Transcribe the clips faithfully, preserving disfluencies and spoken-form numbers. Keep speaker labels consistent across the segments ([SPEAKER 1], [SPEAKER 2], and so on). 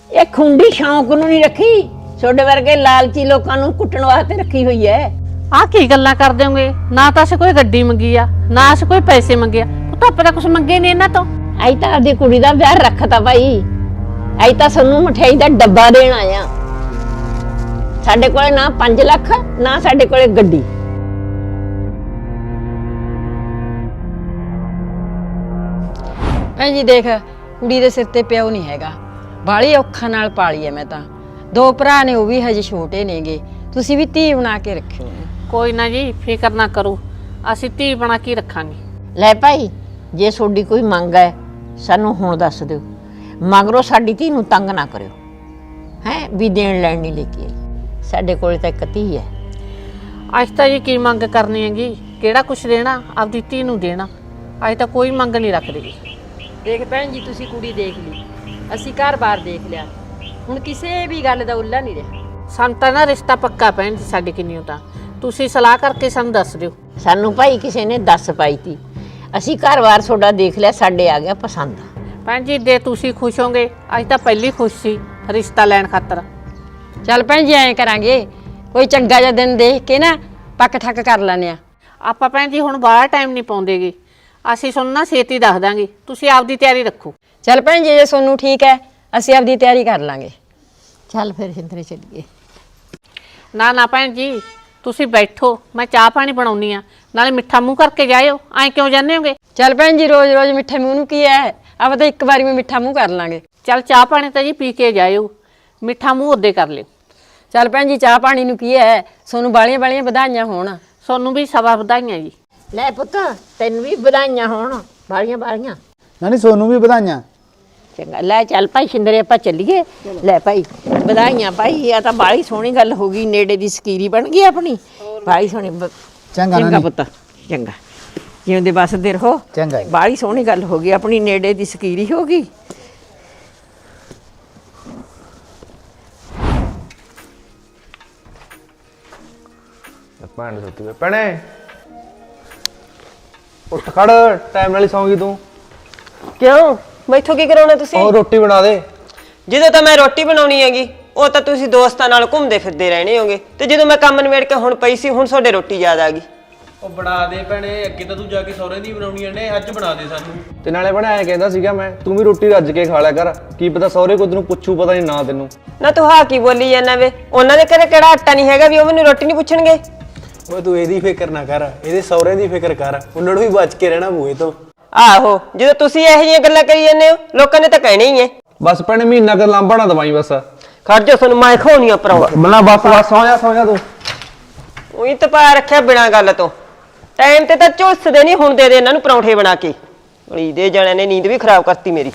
[SPEAKER 1] ਇਹ ਖੁੰਡੀ ਸ਼ੌਂਕ ਨੂੰ ਨਹੀਂ ਰੱਖੀ, ਛੋਡੇ ਵਰਗੇ ਲਾਲਚੀ ਲੋਕਾਂ ਨੂੰ ਕੁੱਟਣ ਵਾਸਤੇ ਰੱਖੀ ਹੋਈ ਐ।
[SPEAKER 2] ਆ ਕੀ ਗੱਲਾਂ ਕਰਦੇ ਹੋਗੇ? ਨਾ ਤਾਂ ਅਸੀਂ ਕੋਈ ਗੱਡੀ ਮੰਗੀ ਆ, ਨਾ ਅਸੀਂ ਕੋਈ ਪੈਸੇ ਮੰਗੇ ਆ। ਉਹ ਤਾਂ ਆਪਾਂ ਕੁਝ ਮੰਗੇ ਨਹੀਂ ਇਹਨਾਂ ਤੋਂ।
[SPEAKER 1] ਅਈ ਤਾਂ ਆਪਦੀ ਕੁੜੀ ਦਾ ਵਿਆਹ ਰੱਖਤਾ ਭਾਈ, ਅਈ ਤਾਂ ਸਾਨੂੰ ਮਠਿਆਈ ਦਾ ਡੱਬਾ ਦੇਣ ਆਇਆ। ਸਾਡੇ ਕੋਲੇ ਨਾ ਪੰਜ ਲੱਖ ਨਾ ਸਾਡੇ ਕੋਲੇ ਗੱਡੀ।
[SPEAKER 3] ਭੈਣ ਜੀ ਦੇਖ, ਕੁੜੀ ਦੇ ਸਿਰ ਤੇ ਪਿਓ ਨਹੀਂ ਹੈਗਾ, ਬਾਲੀ ਔਖਾ ਨਾਲ ਪਾਲੀ ਐ ਮੈਂ ਤਾਂ। ਦੋ ਭਰਾ ਨੇ, ਉਹ ਵੀ ਹਜੇ ਛੋਟੇ ਨੇਗੇ, ਤੁਸੀਂ ਵੀ ਧੀ ਬਣਾ ਕੇ ਰੱਖਿਓ।
[SPEAKER 2] ਕੋਈ ਨਾ ਜੀ, ਫਿਕਰ ਨਾ ਕਰੋ, ਅਸੀਂ ਧੀ ਬਣਾ ਕੇ ਰੱਖਾਂਗੇ।
[SPEAKER 1] ਲੈ ਭਾਈ, ਜੇ ਤੁਹਾਡੀ ਕੋਈ ਮੰਗ ਹੈ ਸਾਨੂੰ ਹੁਣ ਦੱਸ ਦਿਓ, ਮਗਰੋਂ ਸਾਡੀ ਧੀ ਨੂੰ ਤੰਗ ਨਾ ਕਰਿਓ ਹੈ ਵੀ ਦੇਣ ਲੈਣ ਨਹੀਂ ਲੈ ਕੇ ਆਈ। ਸਾਡੇ ਕੋਲ ਤਾਂ ਇੱਕ ਧੀ ਹੈ।
[SPEAKER 2] ਅੱਜ ਤਾਂ ਜੀ ਕੀ ਮੰਗ ਕਰਨੀ ਹੈਗੀ? ਕਿਹੜਾ ਕੁਛ ਦੇਣਾ? ਆਪਦੀ ਧੀ ਨੂੰ ਦੇਣਾ। ਅੱਜ ਤਾਂ ਕੋਈ ਮੰਗ ਨਹੀਂ ਰੱਖਦੇ ਜੀ।
[SPEAKER 3] ਦੇਖ ਭੈਣ ਜੀ, ਤੁਸੀਂ ਕੁੜੀ ਦੇਖ ਲਈ, ਅਸੀਂ ਘਰ-ਬਾਰ ਦੇਖ ਲਿਆ, ਹੁਣ ਕਿਸੇ ਵੀ ਗੱਲ ਦਾ ਉੱਲਾ ਨਹੀਂ ਰਿਹਾ।
[SPEAKER 2] ਸਾਨੂੰ ਤਾਂ ਨਾ ਰਿਸ਼ਤਾ ਪੱਕਾ ਪੈਣ ਜੀ ਸਾਡੇ ਕਿੰਨੀ ਤਾਂ ਤੁਸੀਂ ਸਲਾਹ ਕਰਕੇ ਸਾਨੂੰ ਦੱਸ ਦਿਓ।
[SPEAKER 1] ਸਾਨੂੰ ਭਾਈ ਕਿਸੇ ਨੇ ਦੱਸ ਪਾਈ ਤੀ, ਅਸੀਂ ਘਰ-ਬਾਰ ਤੁਹਾਡਾ ਦੇਖ ਲਿਆ, ਸਾਡੇ ਆ ਗਿਆ ਪਸੰਦ।
[SPEAKER 2] ਭੈਣ ਜੀ ਜੇ ਤੁਸੀਂ ਖੁਸ਼ ਹੋਗੇ, ਅੱਜ ਤਾਂ ਪਹਿਲੀ ਖੁਸ਼ ਸੀ ਰਿਸ਼ਤਾ ਲੈਣ ਖਾਤਰ।
[SPEAKER 3] ਚੱਲ ਭੈਣ ਜੀ ਐਂ ਕਰਾਂਗੇ, ਕੋਈ ਚੰਗਾ ਜਿਹਾ ਦਿਨ ਦੇਖ ਕੇ ਨਾ ਪੱਕ ਠੱਕ ਕਰ ਲੈਣੇ ਆ।
[SPEAKER 2] ਆਪਾਂ ਭੈਣ ਜੀ ਹੁਣ ਬਾਹਲਾ ਟਾਈਮ ਨਹੀਂ ਪਾਉਂਦੇਗੇ, ਅਸੀਂ ਤੁਹਾਨੂੰ ਨਾ ਛੇਤੀ ਦੱਸ ਦਾਂਗੇ, ਤੁਸੀਂ ਆਪਦੀ ਤਿਆਰੀ ਰੱਖੋ।
[SPEAKER 3] ਚੱਲ ਭੈਣ ਜੀ, ਜੇ ਤੁਹਾਨੂੰ ਠੀਕ ਹੈ ਅਸੀਂ ਆਪਦੀ ਤਿਆਰੀ ਕਰ ਲਾਂਗੇ।
[SPEAKER 1] ਚੱਲ ਫਿਰ ਸਿੰਦਰੇ ਚੱਲੀਏ।
[SPEAKER 2] ਨਾ ਨਾ ਭੈਣ ਜੀ, ਤੁਸੀਂ ਬੈਠੋ, ਮੈਂ ਚਾਹ ਪਾਣੀ ਬਣਾਉਣੀ ਆ, ਨਾਲੇ ਮਿੱਠਾ ਮੂੰਹ ਕਰਕੇ ਜਾਇਓ। ਐਂ ਕਿਉਂ ਜਾਂਦੇ ਹੋਗੇ?
[SPEAKER 3] ਚੱਲ ਭੈਣ ਜੀ, ਰੋਜ਼ ਰੋਜ਼ ਮਿੱਠੇ ਮੂੰਹ ਨੂੰ ਕੀ ਹੈ, ਆਪਾਂ ਤਾਂ ਇੱਕ ਵਾਰੀ ਮੈਂ ਮਿੱਠਾ ਮੂੰਹ ਕਰ ਲਾਂਗੇ।
[SPEAKER 2] ਚੱਲ ਚਾਹ ਪਾਣੀ ਤਾਂ ਜੀ ਪੀ ਕੇ ਜਾਇਓ, ਮਿੱਠਾ ਮੂੰਹ ਉਹਦੇ ਕਰ ਲਿਓ।
[SPEAKER 3] ਚੱਲ ਭੈਣ ਜੀ, ਚਾਹ ਪਾਣੀ ਨੂੰ ਕੀ ਹੈ, ਤੁਹਾਨੂੰ ਬਾਲੀਆਂ ਬਾਲੀਆਂ ਵਧਾਈਆਂ ਹੋਣ।
[SPEAKER 2] ਤੁਹਾਨੂੰ ਵੀ ਸਵਾ ਵਧਾਈਆਂ ਜੀ।
[SPEAKER 1] ਲੈ ਪੁੱਤ, ਤੈਨੂੰ ਵੀ ਵਧਾਈਆਂ ਹੋਣ, ਬਾਲੀਆਂ ਬਾਲੀਆਂ।
[SPEAKER 4] ਨਾਨੀ ਸੋਨੂੰ ਵੀ ਵਧਾਈਆਂ।
[SPEAKER 1] ਚੰਗਾ, ਲੈ ਚੱਲ ਭਾਈ ਸਿੰਦਰੇ ਆਪਾਂ ਚੱਲੀਏ। ਲੈ ਭਾਈ ਵਧਾਈਆਂ ਭਾਈ, ਆ ਤਾਂ ਬਾਲੀ ਸੋਹਣੀ ਗੱਲ ਹੋ ਗਈ, ਨੇੜੇ ਦੀ ਸਕੀਰੀ ਬਣ ਗਈ ਆਪਣੀ, ਬਾਲੀ ਸੋਹਣੀ।
[SPEAKER 4] ਚੰਗਾ
[SPEAKER 1] ਚੰਗਾ
[SPEAKER 4] ਨਾਨੀ।
[SPEAKER 1] ਪੁੱਤ, ਚੰਗਾ, ਜਿਉਂਦੇ ਬਸਦੇ ਰਹੋ।
[SPEAKER 4] ਚੰਗਾ ਜੀ।
[SPEAKER 1] ਬਾਲੀ ਸੋਹਣੀ ਗੱਲ ਹੋ ਗਈ, ਆਪਣੀ ਨੇੜੇ ਦੀ ਸਕੀਰੀ ਹੋ ਗਈ।
[SPEAKER 5] ਭੈਣ ਸੁੱਤੀ ਵੇ ਭੈਣੇ, ਉੱਠ ਖੜ, ਟਾਈਮ ਨਾਲ ਹੀ ਸੌਂਗੀ ਤੂੰ।
[SPEAKER 6] ਕਿਉਂ? ਮੈਥੋਂ ਕੀ ਕਰਾਉਣਾ ਤੁਸੀਂ?
[SPEAKER 5] ਉਹ ਰੋਟੀ ਬਣਾ ਦੇ।
[SPEAKER 6] ਜਦੋਂ ਤਾਂ ਮੈਂ ਰੋਟੀ ਬਣਾਉਣੀ ਹੈਗੀ, ਉਹ ਤਾਂ ਤੁਸੀਂ ਦੋਸਤਾਂ ਨਾਲ ਘੁੰਮਦੇ ਫਿਰਦੇ ਰਹਿਣੇ ਹੋਗੇ, ਤੇ ਜਦੋਂ ਮੈਂ ਕੰਮ ਨਿਬੇੜ ਕੇ ਹੁਣ ਪਈ ਸੀ, ਹੁਣ ਤੁਹਾਡੇ ਰੋਟੀ ਯਾਦ ਆ ਗਈ।
[SPEAKER 7] ਉਹ ਬਣਾ ਦੇ ਭੈਣੇ, ਅੱਗੇ ਤਾਂ ਤੂੰ ਜਾ ਕੇ ਸਹੁਰੇ ਦੀ ਬਣਾਉਣੀਆਂ ਨੇ, ਅੱਜ ਬਣਾ ਦੇ ਸਾਨੂੰ।
[SPEAKER 5] ਤੇ ਨਾਲੇ ਭੈਣੇ ਐਂ ਕਹਿੰਦਾ ਸੀਗਾ ਮੈਂ, ਤੂੰ ਵੀ ਰੋਟੀ ਰੱਜ ਕੇ ਖਾ ਲਿਆ ਕਰ, ਕੀ ਪਤਾ ਸਹੁਰੇ ਕੋਲ ਤੈਨੂੰ ਪੁੱਛੂ, ਪਤਾ ਨਹੀਂ ਨਾ ਤੈਨੂੰ।
[SPEAKER 6] ਨਾ ਤੂੰ ਹਾਂ ਕੀ ਬੋਲੀ ਜਾਂਦਾ ਵੇ? ਉਹਨਾਂ ਦੇ ਘਰੇ ਕਿਹੜਾ ਆਟਾ ਨਹੀਂ ਹੈਗਾ ਵੀ ਉਹ ਮੈਨੂੰ ਰੋਟੀ ਨਹੀਂ ਪੁੱਛਣਗੇ?
[SPEAKER 7] ਓਏ ਤੂੰ ਇਹਦੀ ਫਿਕਰ ਨਾ ਕਰ, ਇਹਦੇ ਸਹੁਰੇ ਦੀ ਫਿਕਰ ਕਰ, ਉਹਨਾਂ ਨੂੰ ਵੀ ਬਚ ਕੇ ਰਹਿਣਾ ਬੂਏ ਤੋਂ।
[SPEAKER 6] ਆਹੋ, ਜਦੋਂ ਤੁਸੀਂ ਇਹੋ ਜਿਹੀਆਂ ਗੱਲਾਂ ਕਰੀ ਜਾਂਦੇ ਹੋ, ਲੋਕਾਂ ਨੇ ਤਾਂ ਕਹਿਣਾ ਹੀ ਹੈ।
[SPEAKER 5] ਬਸ ਭੈਣੇ ਮਹੀਨਾ ਕਰ ਲਾਂਭਾ ਨਾ ਦਵਾਈ ਬਸ।
[SPEAKER 6] ਖੜ ਜਾ, ਤੁਹਾਨੂੰ ਮੈਂ ਖਾਉਣੀਆਂ ਪਰਾਉਂ।
[SPEAKER 5] ਮਲਾ ਬਸ ਬਸ ਸੌਂ ਜਾ, ਸੌਂ ਜਾ ਤੂੰ।
[SPEAKER 6] ਉਹੀ ਤਪਾ ਰੱਖਿਆ ਬਿਨਾਂ ਗੱਲ ਤੋਂ, ਟਾਈਮ ਤੇ ਤਾਂ ਝੁੱਸਦੇ ਨਹੀਂ, ਹੁਣ ਦੇ ਦੇ ਇਹਨਾਂ ਨੂੰ ਪਰੌਂਠੇ ਬਣਾ ਕੇ। ਗਲੀ ਦੇ ਜਣਿਆਂ ਨੇ ਨੀਂਦ ਵੀ ਖਰਾਬ ਕਰਤੀ ਮੇਰੀ।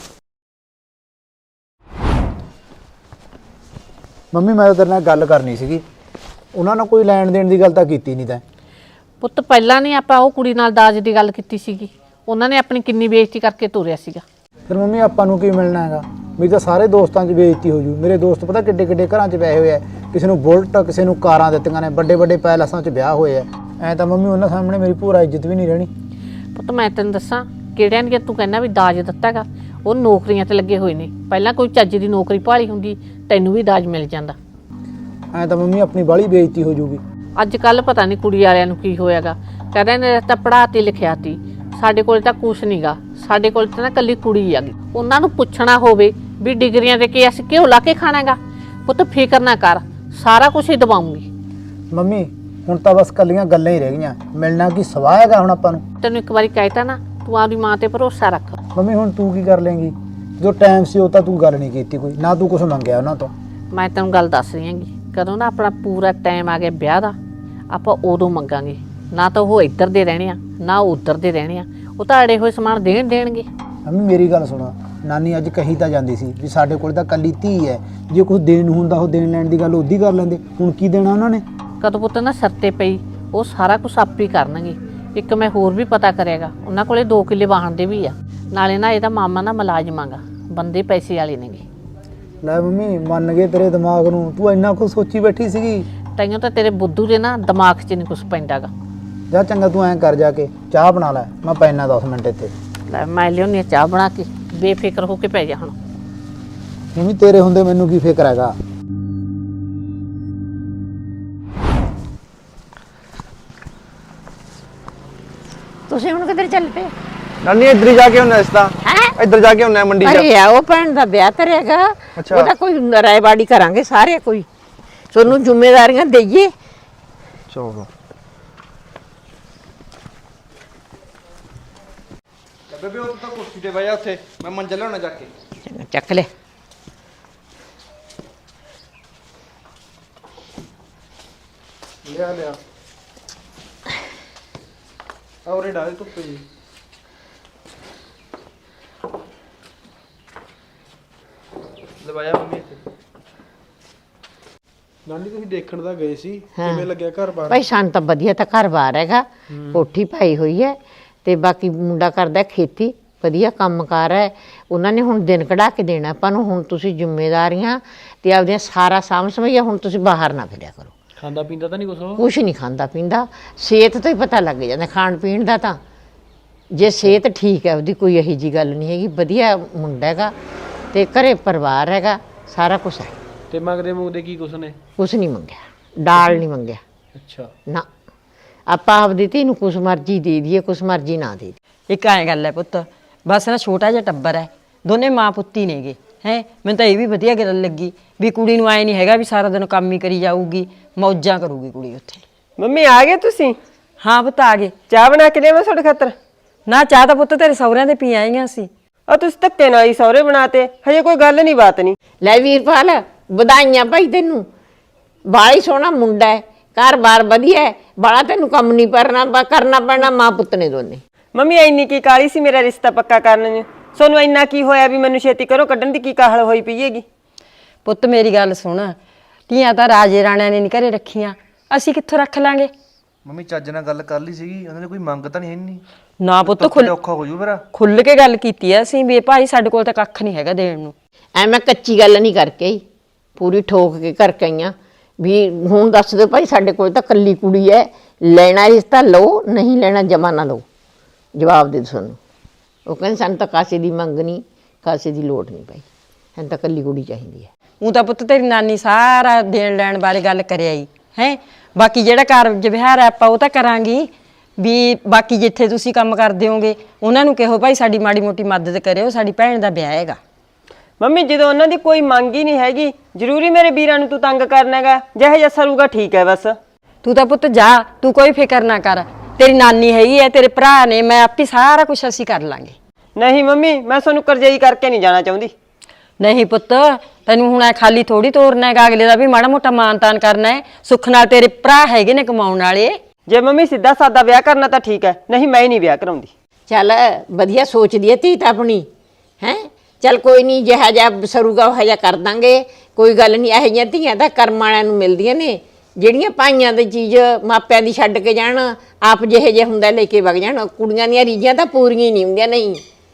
[SPEAKER 4] ਮੰਮੀ ਮੈਂ ਤੇਰੇ ਨਾਲ ਗੱਲ ਕਰਨੀ ਸੀਗੀ, ਉਹਨਾਂ ਨਾਲ ਕੋਈ ਲੈਣ ਦੇਣ ਦੀ ਗੱਲ ਤਾਂ ਕੀਤੀ ਨਹੀਂ ਤੈਂ।
[SPEAKER 2] ਪੁੱਤ ਪਹਿਲਾਂ ਨਹੀਂ ਆਪਾਂ ਉਹ ਕੁੜੀ ਨਾਲ ਦਾਜ ਦੀ ਗੱਲ ਕੀਤੀ ਸੀਗੀ, ਉਹਨਾਂ ਨੇ ਆਪਣੀ ਕਿੰਨੀ ਬੇਇੱਜ਼ਤੀ ਕਰਕੇ ਤੋਰਿਆ ਸੀਗਾ।
[SPEAKER 4] ਫਿਰ ਮੰਮੀ ਆਪਾਂ ਨੂੰ ਕੀ ਮਿਲਣਾ ਹੈਗਾ? ਮੇਰੀ ਤਾਂ ਸਾਰੇ ਦੋਸਤਾਂ 'ਚ ਬੇਇੱਜ਼ਤੀ ਹੋ ਜੂ। ਮੇਰੇ ਦੋਸਤ ਪਤਾ ਕਿੱਡੇ ਕਿੱਡੇ ਘਰਾਂ 'ਚ ਵਿਆਹੇ ਹੋਏ ਆ, ਕਿਸੇ ਨੂੰ ਬੁਲਟ, ਕਿਸੇ ਨੂੰ ਕਾਰਾਂ ਦਿੱਤੀਆਂ ਨੇ, ਵੱਡੇ ਵੱਡੇ ਪੈਲਸਾਂ 'ਚ ਵਿਆਹ ਹੋਏ ਆ। ਐਂ ਤਾਂ ਮੰਮੀ ਉਹਨਾਂ ਸਾਹਮਣੇ ਮੇਰੀ ਪੂਰਾ ਇੱਜ਼ਤ ਵੀ ਨਹੀਂ ਰਹਿਣੀ।
[SPEAKER 2] ਪੁੱਤ ਮੈਂ ਤੈਨੂੰ ਦੱਸਾਂ, ਕਿਹੜਿਆਂ ਨੇ ਤੂੰ ਕਹਿੰਦਾ ਵੀ ਦਾਜ ਦਿੱਤਾਗਾ, ਉਹ ਨੌਕਰੀਆਂ ਤੇ ਲੱਗੇ ਹੋਏ ਨੇ। ਪਹਿਲਾਂ ਕੋਈ ਚੱਜ ਦੀ ਨੌਕਰੀ ਭਾਲੀ ਹੁੰਦੀ, ਤੈਨੂੰ ਵੀ ਦਾਜ ਮਿਲ ਜਾਂਦਾ।
[SPEAKER 4] ਐਂ ਤਾਂ ਮੰਮੀ ਆਪਣੀ ਬਾਹਲੀ ਬੇਇੱਜ਼ਤੀ ਹੋ ਜੂਗੀ।
[SPEAKER 2] ਅੱਜ ਕੱਲ ਪਤਾ ਨਹੀਂ ਕੁੜੀ ਵਾਲਿਆਂ ਨੂੰ ਕੀ ਹੋਇਆਗਾ, ਕਹਿੰਦੇ ਨੇ ਤਾਂ ਪੜ੍ਹਾ ਤੇ ਲਿਖਿਆ ਤੀ, ਸਾਡੇ ਕੋਲ ਤਾਂ ਕੁਛ ਨਹੀਂਗਾ, ਸਾਡੇ ਕੋਲ ਤਾਂ ਨਾ ਕੱਲੀ ਕੁੜੀ ਆ ਗਈ। ਉਹਨਾਂ ਨੂੰ ਪੁੱਛਣਾ ਹੋਵੇ ਵੀ ਡਿਗਰੀਆਂ ਦੇ ਕੇ ਅਸੀਂ ਘਿਓ ਲਾ ਕੇ ਖਾਣਾਗਾ। ਪੁੱਤ ਫਿਕਰ ਨਾ ਕਰ, ਸਾਰਾ ਕੁਝ ਹੀ ਦਵਾਉਂਗੀ।
[SPEAKER 4] ਮੰਮੀ ਹੁਣ ਤਾਂ ਬਸ ਕੱਲੀਆਂ ਗੱਲਾਂ ਹੀ ਰਹਿ ਗਈਆਂ, ਮਿਲਣਾ ਕੀ ਸਵਾਹ ਹੈਗਾ ਹੁਣ ਆਪਾਂ ਨੂੰ।
[SPEAKER 2] ਤੈਨੂੰ ਇੱਕ ਵਾਰੀ ਕਹਿਤਾ ਨਾ, ਤੂੰ ਆਪਦੀ ਮਾਂ ਤੇ ਭਰੋਸਾ ਰੱਖ।
[SPEAKER 4] ਮੰਮੀ ਹੁਣ ਤੂੰ ਕੀ ਕਰ ਲੇਂਗੀ? ਜੋ ਟਾਈਮ ਸੀ ਉਹ ਤਾਂ ਤੂੰ ਗੱਲ ਨਹੀਂ ਕੀਤੀ ਕੋਈ, ਨਾ ਤੂੰ ਕੁਝ ਮੰਗਿਆ ਉਹਨਾਂ ਤੋਂ।
[SPEAKER 2] ਮੈਂ ਤੈਨੂੰ ਗੱਲ ਦੱਸ ਰਹੀ ਹਾਂਗੀ, ਕਦੋਂ ਨਾ ਆਪਣਾ ਪੂਰਾ ਟਾਈਮ ਆ ਗਿਆ ਵਿਆਹ ਦਾ, ਆਪਾਂ ਉਦੋਂ ਮੰਗਾਂਗੇ। ਨਾ ਤਾਂ ਉਹ ਇੱਧਰ ਦੇ ਰਹਿਣੇ ਆ, ਨਾ ਉਹ ਉੱਧਰ ਦੇ ਰਹਿਣੇ ਆ, ਉਹ ਤਾਂ ਅੜੇ ਹੋਏ ਸਮਾਨ ਦੇਣ ਦੇਣਗੇ।
[SPEAKER 4] ਮੰਮੀ ਮੇਰੀ ਗੱਲ ਸੁਣੋ, ਨਾਨੀ ਅੱਜ ਕਹੀ ਤਾਂ ਜਾਂਦੀ ਸੀ ਵੀ ਸਾਡੇ ਕੋਲ ਤਾਂ ਕੱਲੀ ਧੀ ਹੈ, ਜੇ ਕੁਝ ਦੇਣ ਨੂੰ ਹੁੰਦਾ ਉਹ ਦੇਣ ਲੈਣ ਦੀ ਗੱਲ ਉਹਦੀ ਕਰ ਲੈਂਦੇ। ਹੁਣ ਕੀ ਦੇਣਾ ਉਹਨਾਂ ਨੇ?
[SPEAKER 2] ਕਦੋਂ ਪੁੱਤ ਨਾ ਸਿਰ ਤੇ ਪਈ, ਉਹ ਸਾਰਾ ਕੁਝ ਆਪ ਹੀ ਕਰਨਗੇ। ਇੱਕ ਮੈਂ ਹੋਰ ਵੀ ਪਤਾ ਕਰਿਆਗਾ, ਉਹਨਾਂ ਕੋਲੇ ਦੋ ਕਿੱਲੇ ਵਾਹਣ ਦੇ ਵੀ ਆ, ਨਾਲੇ ਨਾ ਇਹਦਾ ਮਾਮਾ ਨਾ ਮੁਲਾਜ਼ਮਾਂਗਾ, ਬੰਦੇ ਪੈਸੇ ਵਾਲੇ ਨੇਗੇ।
[SPEAKER 4] ਲੈ ਮੰਮੀ ਮੰਨ ਗਏ ਤੇਰੇ ਦਿਮਾਗ ਨੂੰ, ਤੂੰ ਇੰਨਾ ਕੁਝ ਸੋਚੀ ਬੈਠੀ ਸੀਗੀ।
[SPEAKER 2] ਤੈਨੂੰ ਤਾਂ ਤੇਰੇ ਬੁੱਧੂ ਦੇ ਨਾ ਦਿਮਾਗ 'ਚ ਨਹੀਂ ਕੁਝ ਪੈਂਦਾਗਾ।
[SPEAKER 4] ਜਾ ਚੰਗਾ ਤੂੰ ਐਂ ਕਰ, ਜਾ ਕੇ ਚਾਹ ਬਣਾ ਲੈ, ਮੈਂ ਪੈਣਾ ਦਸ ਮਿੰਟ ਇੱਥੇ।
[SPEAKER 2] ਲੈ ਮੈਂ ਲਿਆਉਂਦੀ ਹਾਂ ਚਾਹ ਬਣਾ ਕੇ, ਬੇਫਿਕਰ ਹੋ ਕੇ ਪੈ ਜਾ ਹੁਣ।
[SPEAKER 4] ਮੰਮੀ ਤੇਰੇ ਹੁੰਦੇ ਮੈਨੂੰ ਕੀ ਫਿਕਰ ਹੈਗਾ।
[SPEAKER 1] ਤੁਸੀਂ ਹੁਣ ਕਿੱਧਰ ਚੱਲ ਪਏ?
[SPEAKER 5] ਨਾਨੀ ਇੱਧਰ ਹੀ ਜਾ ਕੇ ਹੁੰਨਾ ਇਸ ਤਾਂ
[SPEAKER 1] ਹੈਂ?
[SPEAKER 5] ਇੱਧਰ ਜਾ ਕੇ ਹੁੰਨਾ ਮੰਡੀ ਜਾ।
[SPEAKER 1] ਅਰੇ ਆ ਉਹ ਭੈਣ ਦਾ ਵਿਆਹ ਧਰਿਆਗਾ,
[SPEAKER 5] ਅੱਛਾ।
[SPEAKER 1] ਉਹਦਾ ਕੋਈ ਰਾਇਬਾੜੀ ਕਰਾਂਗੇ ਸਾਰੇ, ਕੋਈ ਤੁਹਾਨੂੰ ਜ਼ਿੰਮੇਵਾਰੀਆਂ ਦੇਈਏ।
[SPEAKER 5] ਚਲੋ ਬੇਬੇ ਉਹ ਤਾਂ ਕੁਰਸੀ ਤੇ ਬਹਿ ਜਾ ਉੱਥੇ, ਮੈਂ ਮੰਜਾ ਲਿਆਉਣਾ ਜਾ ਕੇ।
[SPEAKER 1] ਚੰਗਾ, ਚੱਕ ਲੈ।
[SPEAKER 7] ਲਿਆ ਲਿਆ ਔਰੇ ਡਾਲੇ ਧੁੱਪੇ ਜੀ। ਲਵਾਇਆ ਮੰਮੀ ਇੱਥੇ। ਨਾਨੀ ਤੁਸੀਂ ਦੇਖਣ ਤਾਂ ਗਏ ਸੀ, ਕਿਵੇਂ ਲੱਗਿਆ ਘਰ ਬਾਰ?
[SPEAKER 1] ਭਾਈ ਸਾਨੂੰ ਤਾਂ ਵਧੀਆ ਤਾਂ ਘਰ-ਬਾਰ ਹੈਗਾ, ਕੋਠੀ ਪਾਈ ਹੋਈ ਹੈ ਤੇ ਬਾਕੀ ਮੁੰਡਾ ਕਰਦਾ ਖੇਤੀ, ਵਧੀਆ ਕੰਮਕਾਰ ਹੈ। ਉਹਨਾਂ ਨੇ ਹੁਣ ਦਿਨ ਕਢਾ ਕੇ ਦੇਣਾ ਆਪਾਂ ਨੂੰ। ਹੁਣ ਤੁਸੀਂ ਜ਼ਿੰਮੇਵਾਰੀਆਂ ਤੇ ਆਪਦੀਆਂ ਸਾਰਾ ਸਾਂਭ ਸਮਝਿਆ, ਹੁਣ ਤੁਸੀਂ ਬਾਹਰ ਨਾ ਫਿਰਿਆ ਕਰੋ।
[SPEAKER 7] ਖਾਂਦਾ ਪੀਂਦਾ ਤਾਂ ਨਹੀਂ ਕੁਛ ਉਹ?
[SPEAKER 1] ਕੁਛ ਨਹੀਂ ਖਾਂਦਾ ਪੀਂਦਾ, ਸਿਹਤ ਤੋਂ ਹੀ ਪਤਾ ਲੱਗ ਜਾਂਦਾ ਖਾਣ ਪੀਣ ਦਾ। ਤਾਂ ਜੇ ਸਿਹਤ ਠੀਕ ਹੈ ਉਹਦੀ, ਕੋਈ ਇਹੋ ਜਿਹੀ ਗੱਲ ਨਹੀਂ ਹੈਗੀ, ਵਧੀਆ ਮੁੰਡਾ ਹੈਗਾ ਤੇ ਘਰੇ ਪਰਿਵਾਰ ਹੈਗਾ, ਸਾਰਾ ਕੁਛ ਹੈ।
[SPEAKER 7] ਤੇ ਮੰਗਦੇ ਮੁੰਗਦੇ ਕੀ ਕੁਛ ਨੇ?
[SPEAKER 1] ਕੁਛ ਨਹੀਂ ਮੰਗਿਆ, ਡਾਲ ਨਹੀਂ ਮੰਗਿਆ
[SPEAKER 7] ਅੱਛਾ
[SPEAKER 1] ਨਾ। ਆਪਾਂ ਆਪਦੀ ਧੀ ਨੂੰ ਕੁਛ ਮਰਜ਼ੀ ਦੇ ਦਈਏ, ਕੁਛ ਮਰਜ਼ੀ ਨਾ ਦੇ ਦਈਏ।
[SPEAKER 3] ਇੱਕ ਐਂ ਗੱਲ ਹੈ ਪੁੱਤ, ਬਸ ਨਾ ਛੋਟਾ ਜਿਹਾ ਟੱਬਰ ਹੈ, ਦੋਨੇ ਮਾਂ ਪੁੱਤੀ ਨੇਗੇ ਹੈ। ਮੈਨੂੰ ਤਾਂ ਇਹ ਵੀ ਵਧੀਆ ਗੱਲ ਲੱਗੀ ਵੀ ਕੁੜੀ ਨੂੰ ਐ ਨਹੀਂ ਹੈਗਾ ਵੀ ਸਾਰਾ ਦਿਨ ਕੰਮ ਹੀ ਕਰੀ ਜਾਊਗੀ, ਮੌਜਾਂ ਕਰੂਗੀ ਕੁੜੀ ਉੱਥੇ।
[SPEAKER 6] ਮੰਮੀ ਆ ਗਏ ਤੁਸੀਂ?
[SPEAKER 3] ਹਾਂ ਪੁੱਤ ਆ ਗਏ।
[SPEAKER 6] ਚਾਹ ਬਣਾ ਕੇ ਲਿਆਵਾਂ ਤੁਹਾਡੇ ਖਾਤਰ?
[SPEAKER 3] ਨਾ ਚਾਹ ਤਾਂ ਪੁੱਤ ਤੇਰੇ ਸਹੁਰਿਆਂ ਦੇ ਪੀ ਆਈਆਂ ਸੀ।
[SPEAKER 6] ਆ ਤੁਸੀਂ ਧੱਕੇ ਨਾਲ ਹੀ ਸਹੁਰੇ ਬਣਾਤੇ, ਹਜੇ ਕੋਈ ਗੱਲ ਨਹੀਂ ਬਾਤ ਨਹੀਂ।
[SPEAKER 1] ਲੈ ਵੀਰਪਾਲ, ਵਧਾਈਆਂ ਭਾਈ ਤੈਨੂੰ, ਬਾਹਲਾ ਹੀ ਸੋਹਣਾ ਮੁੰਡਾ ਹੈ, ਘਰ-ਬਾਰ ਵਧੀਆ ਹੈ, ਬਾਹਲਾ ਤੈਨੂੰ ਕੰਮ ਨਹੀਂ ਕਰਨਾ ਕਰਨਾ ਪੈਣਾ, ਮਾਂ ਪੁੱਤ ਨੇ ਦੋਨੇ।
[SPEAKER 6] ਮੰਮੀ ਇੰਨੀ ਕੀ ਕਾਲੀ ਸੀ ਮੇਰਾ ਰਿਸ਼ਤਾ ਪੱਕਾ ਕਰਨ ਨੂੰ? ਸੋਨੂੰ ਇੰਨਾ ਕੀ ਹੋਇਆ ਵੀ ਮੈਨੂੰ ਛੇਤੀ ਕਰੋ ਕੱਢਣ ਦੀ ਕੀ ਕਾਹਲ ਹੋਈ ਪਈ ਹੈਗੀ?
[SPEAKER 3] ਪੁੱਤ ਮੇਰੀ ਗੱਲ ਸੁਣ, ਧੀਆਂ ਤਾਂ ਰਾਜੇ ਰਾਣਿਆਂ ਨੇ ਨਹੀਂ ਘਰੇ ਰੱਖੀਆਂ, ਅਸੀਂ ਕਿੱਥੋਂ ਰੱਖ ਲਾਂਗੇ?
[SPEAKER 5] ਮੰਮੀ ਚੱਜ ਨਾਲ ਗੱਲ ਕਰ ਲਈ ਸੀਗੀ, ਉਹਨਾਂ ਨੇ ਕੋਈ ਮੰਗ ਤਾਂ ਨਹੀਂ ਹੈ ਨਹੀਂ।
[SPEAKER 3] ਨਾ ਪੁੱਤ ਖੁੱਲ
[SPEAKER 5] ਔਖਾ ਹੋ ਜੂ ਫਿਰ।
[SPEAKER 3] ਖੁੱਲ ਕੇ ਗੱਲ ਕੀਤੀ ਐ ਅਸੀਂ ਵੀ ਭਾਈ ਸਾਡੇ ਕੋਲ ਤਾਂ ਕੱਖ ਨਹੀਂ ਹੈਗਾ ਦੇਣ ਨੂੰ।
[SPEAKER 1] ਐ ਮੈਂ ਕੱਚੀ ਗੱਲ ਨਹੀਂ ਕਰਕੇ ਆਈ, ਪੂਰੀ ਠੋਕ ਕੇ ਕਰਕੇ ਆਈਆਂ ਵੀ ਹੁਣ ਦੱਸ ਦਿਓ ਭਾਈ, ਸਾਡੇ ਕੋਲ ਤਾਂ ਕੱਲੀ ਕੁੜੀ ਹੈ, ਲੈਣਾ ਰਿਸ਼ਤਾ ਲਓ, ਨਹੀਂ ਲੈਣਾ ਜਮਾ ਨਾ ਲਓ, ਜਵਾਬ ਦੇ ਦਿਓ ਸਾਨੂੰ। ਉਹ ਕਹਿੰਦੇ ਸਾਨੂੰ ਤਾਂ ਕਾਸੇ ਦੀ ਮੰਗ ਨਹੀਂ, ਕਾਸੇ ਦੀ ਲੋੜ ਨਹੀਂ ਭਾਈ, ਸਾਨੂੰ ਤਾਂ ਕੱਲੀ ਕੁੜੀ ਚਾਹੀਦੀ ਹੈ।
[SPEAKER 3] ਉਹ ਤਾਂ ਪੁੱਤ ਤੇਰੀ ਨਾਨੀ ਸਾਰਾ ਦੇਣ ਲੈਣ ਬਾਰੇ ਗੱਲ ਕਰਿਆ ਹੀ ਹੈ। ਬਾਕੀ ਜਿਹੜਾ ਕਾਰਜ ਵਿਹਾਰ ਹੈ ਆਪਾਂ ਉਹ ਤਾਂ ਕਰਾਂਗੇ ਵੀ, ਬਾਕੀ ਜਿੱਥੇ ਤੁਸੀਂ ਕੰਮ ਕਰਦੇ ਹੋਗੇ ਉਹਨਾਂ ਨੂੰ ਕਹੋ ਭਾਈ ਸਾਡੀ ਮਾੜੀ ਮੋਟੀ ਮਦਦ ਕਰਿਓ, ਸਾਡੀ ਭੈਣ ਦਾ ਵਿਆਹ ਹੈਗਾ।
[SPEAKER 6] ਮੰਮੀ ਜਦੋਂ ਉਹਨਾਂ ਦੀ ਕੋਈ ਮੰਗ ਹੀ ਨਹੀਂ ਹੈਗੀ, ਜ਼ਰੂਰੀ ਮੇਰੇ ਵੀਰਾਂ ਨੂੰ ਤੂੰ ਤੰਗ ਕਰਨਾ ਹੈਗਾ? ਜਿਹੇ ਜਿਹਾ ਸਰੂਗਾ ਠੀਕ ਹੈ ਬਸ।
[SPEAKER 3] ਤੂੰ ਤਾਂ ਪੁੱਤ ਜਾ, ਤੂੰ ਕੋਈ ਫਿਕਰ ਨਾ ਕਰ, ਤੇਰੀ ਨਾਨੀ ਹੈਗੀ ਹੈ, ਤੇਰੇ ਭਰਾ ਨੇ, ਮੈਂ ਆਪੇ ਸਾਰਾ ਕੁਝ ਅਸੀਂ ਕਰ ਲਾਂਗੇ।
[SPEAKER 6] ਨਹੀਂ ਮੰਮੀ, ਮੈਂ ਤੁਹਾਨੂੰ ਕਰਜਾਈ ਕਰਕੇ ਨਹੀਂ ਜਾਣਾ ਚਾਹੁੰਦੀ।
[SPEAKER 3] ਨਹੀਂ ਪੁੱਤ, ਤੈਨੂੰ ਹੁਣ ਐ ਖਾਲੀ ਥੋੜੀ ਤੋਰਨਾ ਹੈਗਾ, ਅਗਲੇ ਦਾ ਵੀ ਮਾੜਾ ਮੋਟਾ ਮਾਨ ਤਾਨ ਕਰਨਾ ਹੈ। ਸੁੱਖ ਨਾਲ ਤੇਰੇ ਭਰਾ ਹੈਗੇ ਨੇ ਕਮਾਉਣ ਵਾਲੇ।
[SPEAKER 6] ਜੇ ਮੰਮੀ ਸਿੱਧਾ ਸਾਦਾ ਵਿਆਹ ਕਰਨਾ ਤਾਂ ਠੀਕ ਹੈ, ਨਹੀਂ ਮੈਂ ਹੀ ਨਹੀਂ ਵਿਆਹ ਕਰਾਉਂਦੀ।
[SPEAKER 1] ਚੱਲ ਵਧੀਆ ਸੋਚਦੀ ਹੈ ਧੀ ਤਾਂ ਆਪਣੀ, ਹੈ ਚੱਲ ਕੋਈ ਨਹੀਂ, ਜਿਹਾ ਜਿਹਾ ਸਰੂਗਾ ਉਹ ਜਿਹਾ ਕਰ ਦਾਂਗੇ, ਕੋਈ ਗੱਲ ਨਹੀਂ। ਇਹੋ ਜਿਹੀਆਂ ਧੀਆਂ ਤਾਂ ਕਰਮ ਵਾਲਿਆਂ ਨੂੰ ਮਿਲਦੀਆਂ ਨੇ, ਜਿਹੜੀਆਂ ਭਾਈਆਂ ਦੀ ਚੀਜ਼ ਮਾਪਿਆਂ ਦੀ ਛੱਡ ਕੇ ਜਾਣ, ਆਪ ਜਿਹੇ ਜਿਹੇ ਹੁੰਦਾ ਲੈ ਕੇ ਵਗ ਜਾਣ। ਕੁੜੀਆਂ ਦੀਆਂ ਰੀਝਾਂ ਤਾਂ ਪੂਰੀਆਂ ਹੀ ਨਹੀਂ ਹੁੰਦੀਆਂ। ਨਹੀਂ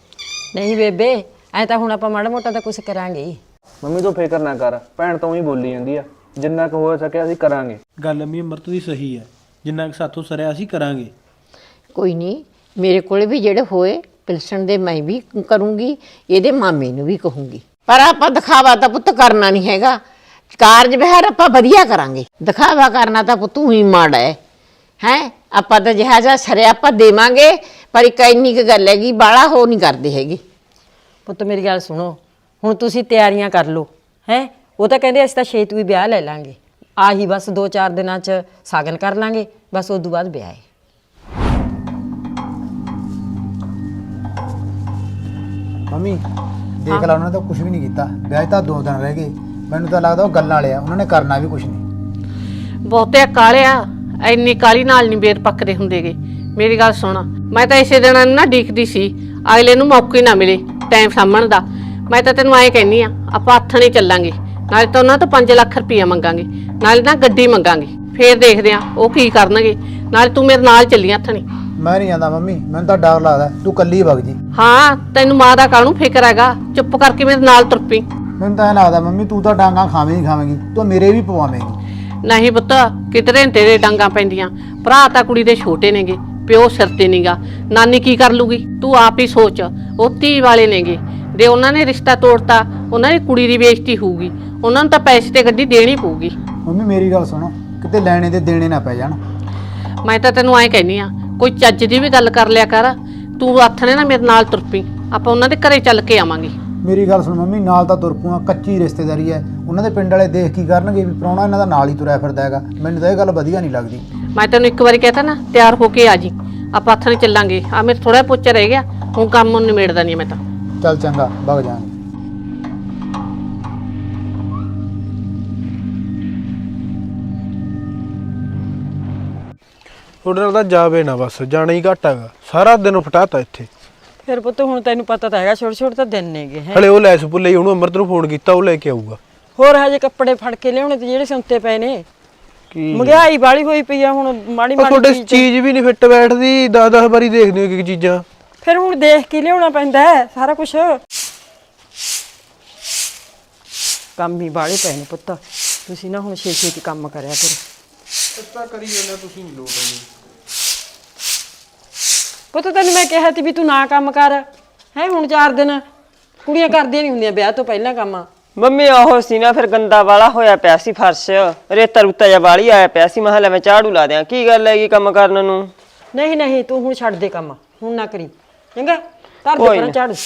[SPEAKER 3] ਨਹੀਂ ਬੇਬੇ, ਐ ਤਾਂ ਹੁਣ ਆਪਾਂ ਮਾੜਾ ਮੋਟਾ ਤਾਂ ਕੁਝ ਕਰਾਂਗੇ ਹੀ।
[SPEAKER 5] ਮੰਮੀ ਤੂੰ ਫਿਕਰ ਨਾ ਕਰ, ਭੈਣ ਤਾਂ ਹੀ ਬੋਲੀ ਜਾਂਦੀ ਆ, ਜਿੰਨਾ ਕੁ ਹੋ ਸਕਿਆ ਅਸੀਂ ਕਰਾਂਗੇ।
[SPEAKER 7] ਗੱਲ ਅੰਮੀ ਅਮਰਤ ਦੀ ਸਹੀ ਹੈ, ਜਿੰਨਾ ਕੁ ਸਾਥੋਂ ਸਰਿਆ ਅਸੀਂ ਕਰਾਂਗੇ।
[SPEAKER 1] ਕੋਈ ਨਹੀਂ, ਮੇਰੇ ਕੋਲ ਵੀ ਜਿਹੜੇ ਹੋਏ ਪਿਲਸਣ ਦੇ ਮੈਂ ਵੀ ਕਰੂੰਗੀ, ਇਹਦੇ ਮਾਮੇ ਨੂੰ ਵੀ ਕਹੂੰਗੀ। ਪਰ ਆਪਾਂ ਦਿਖਾਵਾ ਤਾਂ ਪੁੱਤ ਕਰਨਾ ਨਹੀਂ ਹੈਗਾ, ਕਾਰਜ ਵਿਹਾਰ ਆਪਾਂ ਵਧੀਆ ਕਰਾਂਗੇ। ਦਿਖਾਵਾ ਕਰਨਾ ਤਾਂ ਪੁੱਤ ਹੀ ਮਾੜਾ ਹੈ। ਹੈ ਆਪਾਂ ਤਾਂ ਜਿਹਾ ਜਿਹਾ ਸਰਿਆ ਆਪਾਂ ਦੇਵਾਂਗੇ, ਪਰ ਇੱਕ ਇੰਨੀ ਕੁ ਗੱਲ ਹੈਗੀ, ਬਾਹਲਾ ਹੋ ਨਹੀਂ ਕਰਦੇ ਹੈਗੇ।
[SPEAKER 3] ਪੁੱਤ ਮੇਰੀ ਗੱਲ ਸੁਣੋ, ਹੁਣ ਤੁਸੀਂ ਤਿਆਰੀਆਂ ਕਰ ਲਓ ਹੈ। ਉਹ ਤਾਂ ਕਹਿੰਦੇ ਅਸੀਂ ਤਾਂ ਛੇਤੀ ਹੀ ਵਿਆਹ ਲੈ ਲਾਂਗੇ, ਆਹੀ ਬਸ ਦੋ ਚਾਰ ਦਿਨਾਂ 'ਚ ਸਾਗਨ ਕਰ ਲਾਂਗੇ, ਬਸ ਉਸ ਤੋਂ ਬਾਅਦ ਵਿਆਹ ਹੈ।
[SPEAKER 4] ਮੰਮੀ ਦੇਖ ਲਾ, ਉਹਨਾਂ ਨੇ ਤਾਂ ਕੁਝ ਵੀ ਨਹੀਂ ਕੀਤਾ, ਵਿਆਹ ਤਾਂ ਦੋ ਦਿਨ ਰਹਿ ਗਏ। ਮੈਨੂੰ ਤਾਂ ਲੱਗਦਾ ਉਹ ਗੱਲਾਂ ਵਾਲੇ ਆ, ਉਹਨਾਂ ਨੇ ਕਰਨਾ ਵੀ ਕੁਝ ਨਹੀਂ।
[SPEAKER 2] ਬਹੁਤੇ ਕਾਲਿਆ, ਇੰਨੀ ਕਾਲੀ ਨਾਲ ਨਹੀਂ ਬੇਰ ਪੱਕਦੇ ਹੁੰਦੇਗੇ। ਮੇਰੀ ਗੱਲ ਸੁਣ, ਮੈਂ ਤਾਂ ਇਸੇ ਦਿਨ ਨਾ ਡੀਕਦੀ ਸੀ ਅਗਲੇ ਨੂੰ ਮੌਕੇ ਨਾ ਮਿਲੇ ਟਾਈਮ ਸਾਂਭਣ ਦਾ। ਮੈਂ ਤਾਂ ਤੈਨੂੰ ਐਂ ਕਹਿੰਦੀ ਆ, ਆਪਾਂ ਹੱਥਣੇ ਚੱਲਾਂਗੇ, ਨਾਲੇ ਤਾਂ ਉਹਨਾਂ ਤੋਂ ਪੰਜ ਲੱਖ ਰੁਪਈਆ ਮੰਗਾਂਗੇ, ਨਾਲੇ ਨਾ ਗੱਡੀ ਮੰਗਾਂਗੇ, ਫੇਰ ਦੇਖਦੇ ਆ ਉਹ ਕੀ ਕਰਨਗੇ। ਨਾਲੇ ਤੂੰ ਮੇਰੇ ਨਾਲ ਚੱਲੀ ਹੱਥਣੇ।
[SPEAKER 4] ਮੈਂ ਨਹੀਂ ਜਾਂਦਾ ਮੰਮੀ, ਮੈਨੂੰ ਤਾਂ ਡਰ ਲੱਗਦਾ, ਤੂੰ ਕੱਲੀ ਵਗ ਜੀ।
[SPEAKER 2] ਹਾਂ, ਤੈਨੂੰ ਮਾਂ ਦਾ ਕਾਹਨੂੰ ਫਿਕਰ ਹੈਗਾ, ਚੁੱਪ ਕਰਕੇ ਮੇਰੇ ਨਾਲ ਤੁਰ ਪਈ।
[SPEAKER 4] ਮੈਨੂੰ ਤਾਂ ਇਹ ਲੱਗਦਾ ਮੰਮੀ ਤੂੰ ਤਾਂ ਡਾਂਗਾ ਖਾਵੇਂਗੀ ਖਾਵੇਂਗੀ, ਤੂੰ ਮੇਰੇ ਵੀ ਪਵਾਵੇਂਗੀ।
[SPEAKER 2] ਨਹੀਂ ਪੁੱਤ, ਕਿਧਰੇ ਤੇਰੇ ਡਾਂਗਾ ਪੈਂਦੀਆਂ। ਭਰਾ ਤਾਂ ਕੁੜੀ ਦੇ ਛੋਟੇ ਨੇਗੇ, ਪਿਓ ਸਿਰ ਤੇ ਨੀਗਾ, ਨਾਨੀ ਕੀ ਕਰ ਲੂਗੀ? ਤੂੰ ਆਪ ਹੀ ਸੋਚ। ਉਹ ਧੀ ਵਾਲੇ ਨੇਗੇ, ਦੇ ਉਹਨਾਂ ਨੇ ਰਿਸ਼ਤਾ ਤੋੜਤਾ, ਉਹਨਾਂ ਦੀ ਕੁੜੀ ਦੀ ਬੇਇੱਜ਼ਤੀ ਹੋਊਗੀ, ਉਹਨਾਂ ਨੂੰ ਤਾਂ ਪੈਸੇ ਤੇ ਗੱਡੀ ਦੇਣੀ ਪਊਗੀ।
[SPEAKER 4] ਮੰਮੀ ਮੇਰੀ ਗੱਲ ਸੁਣੋ, ਕਿਤੇ ਲੈਣੇ ਦੇ ਦੇਣੇ ਨਾ ਪੈ ਜਾਣ।
[SPEAKER 2] ਮੈਂ ਤਾਂ ਤੈਨੂੰ ਐਂ ਕਹਿੰਦੀ ਆ, ਕੋਈ ਚੱਜ ਦੀ ਵੀ ਗੱਲ ਕਰ ਲਿਆ ਕਰ। ਤੂੰ ਹੱਥ ਨੇ ਨਾ ਮੇਰੇ ਨਾਲ ਤੁਰ ਪਈ, ਆਪਾਂ ਉਹਨਾਂ ਦੇ ਘਰੇ ਚੱਲ ਕੇ ਆਵਾਂਗੇ।
[SPEAKER 4] ਮੇਰੀ ਗੱਲ ਸੁਣ ਮੰਮੀ, ਨਾਲ ਤਾਂ ਤੁਰ ਪੂਆਂ, ਕੱਚੀ ਰਿਸ਼ਤੇਦਾਰੀ ਹੈ। ਉਹਨਾਂ ਦੇ ਪਿੰਡ ਵਾਲੇ ਦੇਖ ਕੀ ਕਰਨਗੇ ਵੀ ਪ੍ਰਾਹੁਣਾ ਇਹਨਾਂ ਦਾ ਨਾਲ ਹੀ ਤੁਰਿਆ ਫਿਰਦਾ ਹੈਗਾ। ਮੈਨੂੰ ਤਾਂ ਇਹ ਗੱਲ ਵਧੀਆ ਨਹੀਂ ਲੱਗਦੀ।
[SPEAKER 2] ਮੈਂ ਤੈਨੂੰ ਇੱਕ ਵਾਰੀ ਕਹਿਤਾ ਨਾ, ਤਿਆਰ ਹੋ ਕੇ ਆ ਜੀ, ਆਪਾਂ ਹੱਥ ਨੇ ਚੱਲਾਂਗੇ। ਆ ਮੇਰੇ ਥੋੜਾ ਪੋਚਾ ਰਹਿ ਗਿਆ, ਹੁਣ ਕੰਮ ਨਿਬੇੜਦਾ ਨਹੀਂ ਮੈਂ ਤਾਂ।
[SPEAKER 4] ਚੱਲ ਚੰਗਾ, ਵਗ ਜਾਾਂਗੇ।
[SPEAKER 7] ਤੁਹਾਡੇ ਨਾਲ ਤਾਂ ਜਾਵੇ ਨਾ, ਬਸ ਜਾਣਾ ਹੀ ਘੱਟ ਹੈਗਾ। ਸਾਰਾ ਦਿਨ ਫਟਾਤਾ ਇੱਥੇ।
[SPEAKER 3] ਫਿਰ ਪੁੱਤ ਹੁਣ ਤੈਨੂੰ ਪਤਾ ਤਾਂ ਹੈਗਾ, ਛੋਟੇ ਛੋਟੇ ਤਾਂ ਦਿਨ ਨੇਗੇ ਹੈ।
[SPEAKER 7] ਹਲੇ ਉਹ ਲੈਸ ਭੁੱਲੇ ਉਹਨੂੰ ਅਮਰਤ ਨੂੰ ਫੋਨ ਕੀਤਾ, ਉਹ ਲੈ ਕੇ ਆਊਗਾ।
[SPEAKER 3] ਹੋਰ ਹਜੇ ਕੱਪੜੇ ਫੜ ਕੇ ਲਿਆਉਣੇ ਤੇ ਜਿਹੜੇ ਸੰਤੇ ਪਏ ਨੇ।
[SPEAKER 7] ਕੀ
[SPEAKER 3] ਮਹਿੰਗਾਈ ਵਾਲੀ ਹੋਈ ਪਈ ਆ, ਹੁਣ ਮਾੜੀ
[SPEAKER 7] ਉਹ ਤੁਹਾਡੇ
[SPEAKER 3] ਮਾੜੀ ਚੀਜ਼।
[SPEAKER 7] ਚੀਜ਼ ਵੀ ਨਹੀਂ ਫਿੱਟ ਬੈਠਦੀ, ਦਸ ਦਸ ਵਾਰੀ ਦੇਖਦੇ ਹੋ ਕਿ ਚੀਜ਼ਾਂ।
[SPEAKER 3] ਫਿਰ ਹੁਣ ਦੇਖ ਕੇ ਲਿਆਉਣਾ ਪੈਂਦਾ ਹੈ ਸਾਰਾ ਕੁਝ। ਕੰਮ ਹੀ ਬਾਲੇ ਪਏ ਨੇ ਪੁੱਤ, ਤੁਸੀਂ ਨਾ ਹੁਣ ਛੇ ਛੇ ਕੰਮ ਕਰਿਆ ਕਰੋ।
[SPEAKER 7] ਤਾਂ ਕਰੀ ਜਾਂਦਾ, ਤੁਸੀਂ ਨਹੀਂ ਲੋਟ ਆਉਂਦੇ।
[SPEAKER 3] ਪੁੱਤ ਤੈਨੂੰ ਮੈਂ ਕਿਹਾ ਸੀ ਵੀ ਤੂੰ ਨਾ ਕੰਮ ਕਰ ਹੈ। ਹੁਣ ਚਾਰ ਦਿਨ ਕੁੜੀਆਂ ਕਰਦੀਆਂ ਨਹੀਂ ਹੁੰਦੀਆਂ ਵਿਆਹ ਤੋਂ ਪਹਿਲਾਂ ਕੰਮ।
[SPEAKER 6] ਮੰਮੀ ਉਹ ਸੀ ਨਾ, ਫਿਰ ਗੰਦਾ ਵਾਲਾ ਹੋਇਆ ਪਿਆ ਸੀ ਫਰਸ਼, ਰੇਤਾ ਰੁੱਤਾ ਜਿਹਾ ਵਾਲੀ ਆਇਆ ਪਿਆ ਸੀ। ਮਹੱਲੇ ਮੈਂ ਝਾੜੂ ਲਾ ਦਿਆਂ। ਕੀ ਗੱਲ ਹੈਗੀ ਕੰਮ ਕਰਨ ਨੂੰ?
[SPEAKER 3] ਨਹੀਂ ਨਹੀਂ ਤੂੰ ਹੁਣ ਛੱਡ ਦੇ ਕੰਮ, ਹੁਣ ਨਾ ਕਰੀ ਚੰਗਾ। ਕਰ ਦੇ
[SPEAKER 6] ਕੋਈ
[SPEAKER 3] ਪਰਾਂ
[SPEAKER 6] ਨਾ।
[SPEAKER 3] ਝਾੜੂ।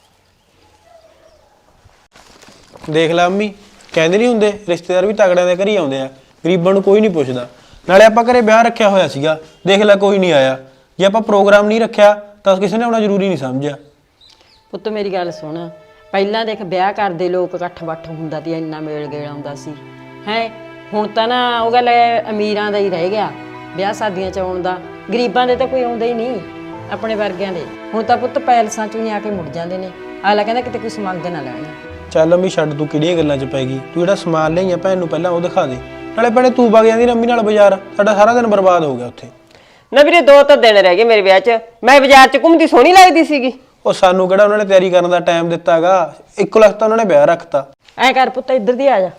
[SPEAKER 7] ਦੇਖ ਲੈ ਅੰਮੀ, ਕਹਿੰਦੇ ਨਹੀਂ ਹੁੰਦੇ ਰਿਸ਼ਤੇਦਾਰ ਵੀ ਤਗੜਿਆਂ ਦੇ ਘਰ ਹੀ ਆਉਂਦੇ ਆ, ਗਰੀਬਾਂ ਨੂੰ ਕੋਈ ਨਹੀਂ ਪੁੱਛਦਾ। ਨਾਲੇ ਆਪਾਂ ਘਰੇ ਵਿਆਹ ਰੱਖਿਆ ਹੋਇਆ ਸੀਗਾ, ਦੇਖ ਲੈ ਕੋਈ ਨਹੀਂ ਆਇਆ। ਜੇ ਆਪਾਂ ਪ੍ਰੋਗਰਾਮ ਨਹੀਂ ਰੱਖਿਆ ਤਾਂ ਕਿਸੇ ਨੇ ਆਉਣਾ ਜ਼ਰੂਰੀ ਨਹੀਂ ਸਮਝਿਆ।
[SPEAKER 3] ਪੁੱਤ ਮੇਰੀ ਗੱਲ ਸੁਣ, ਪਹਿਲਾਂ ਦੇਖ ਵਿਆਹ ਕਰਦੇ ਲੋਕ ਇਕੱਠ ਬੱਠ ਹੁੰਦਾ ਸੀ, ਇੰਨਾ ਮੇਲ ਗੇਲ ਆਉਂਦਾ ਸੀ ਹੈ। ਹੁਣ ਤਾਂ ਨਾ ਉਹ ਗੱਲ ਅਮੀਰਾਂ ਦਾ ਹੀ ਰਹਿ ਗਿਆ ਵਿਆਹ ਸ਼ਾਦੀਆਂ 'ਚ ਆਉਣ ਦਾ, ਗਰੀਬਾਂ ਦੇ ਤਾਂ ਕੋਈ ਆਉਂਦਾ ਹੀ ਨਹੀਂ, ਆਪਣੇ ਵਰਗਿਆਂ ਦੇ। ਹੁਣ ਤਾਂ ਪੁੱਤ ਪੈਲਸਾਂ 'ਚੋਂ ਹੀ ਆ ਕੇ ਮੁੜ ਜਾਂਦੇ ਨੇ। ਅਗਲਾ ਕਹਿੰਦਾ ਕਿਤੇ ਕੋਈ ਮੰਗ ਨਾ ਲੈਣਾ।
[SPEAKER 7] ਚੱਲ ਅੰਮੀ ਛੱਡ, ਤੂੰ ਕਿਹੜੀਆਂ ਗੱਲਾਂ 'ਚ ਪੈ ਗਈ। ਤੂੰ ਜਿਹੜਾ ਸਮਾਨ ਲਿਆਈਆਂ ਭੈਣ ਨੂੰ ਪਹਿਲਾਂ ਉਹ ਦਿਖਾ ਦੇ। ਨਾਲੇ ਭੈਣੇ ਤੂੰ ਵਗ ਜਾਂਦੀ ਅੰਮੀ ਨਾਲ ਬਾਜ਼ਾਰ, ਸਾਡਾ ਸਾਰਾ ਦਿਨ ਬਰਬਾਦ ਹੋ ਗਿਆ ਉੱਥੇ।
[SPEAKER 6] ਨਾ ਵੀਰੇ ਦੋ ਤਾਂ ਦਿਨ ਰਹਿ ਗਏ ਮੇਰੇ ਵਿਆਹ 'ਚ। ਮੈਂ ਬਾਜ਼ਾਰ 'ਚ ਘੁੰਮਦੀ ਸੋਹਣੀ ਲੱਗਦੀ ਸੀਗੀ।
[SPEAKER 7] ਉਹ ਸਾਨੂੰ ਕਿਹੜਾ ਉਹਨਾਂ ਨੇ ਤਿਆਰੀ ਕਰਨ ਦਾ ਟਾਈਮ ਦਿੱਤਾਗਾ, ਇੱਕੋ ਲੱਖ ਤਾਂ ਉਹਨਾਂ ਨੇ ਵਿਆਹ ਰੱਖਤਾ।
[SPEAKER 3] ਐ ਕਰ ਪੁੱਤ ਇੱਧਰ ਦੀ ਆ ਜਾ।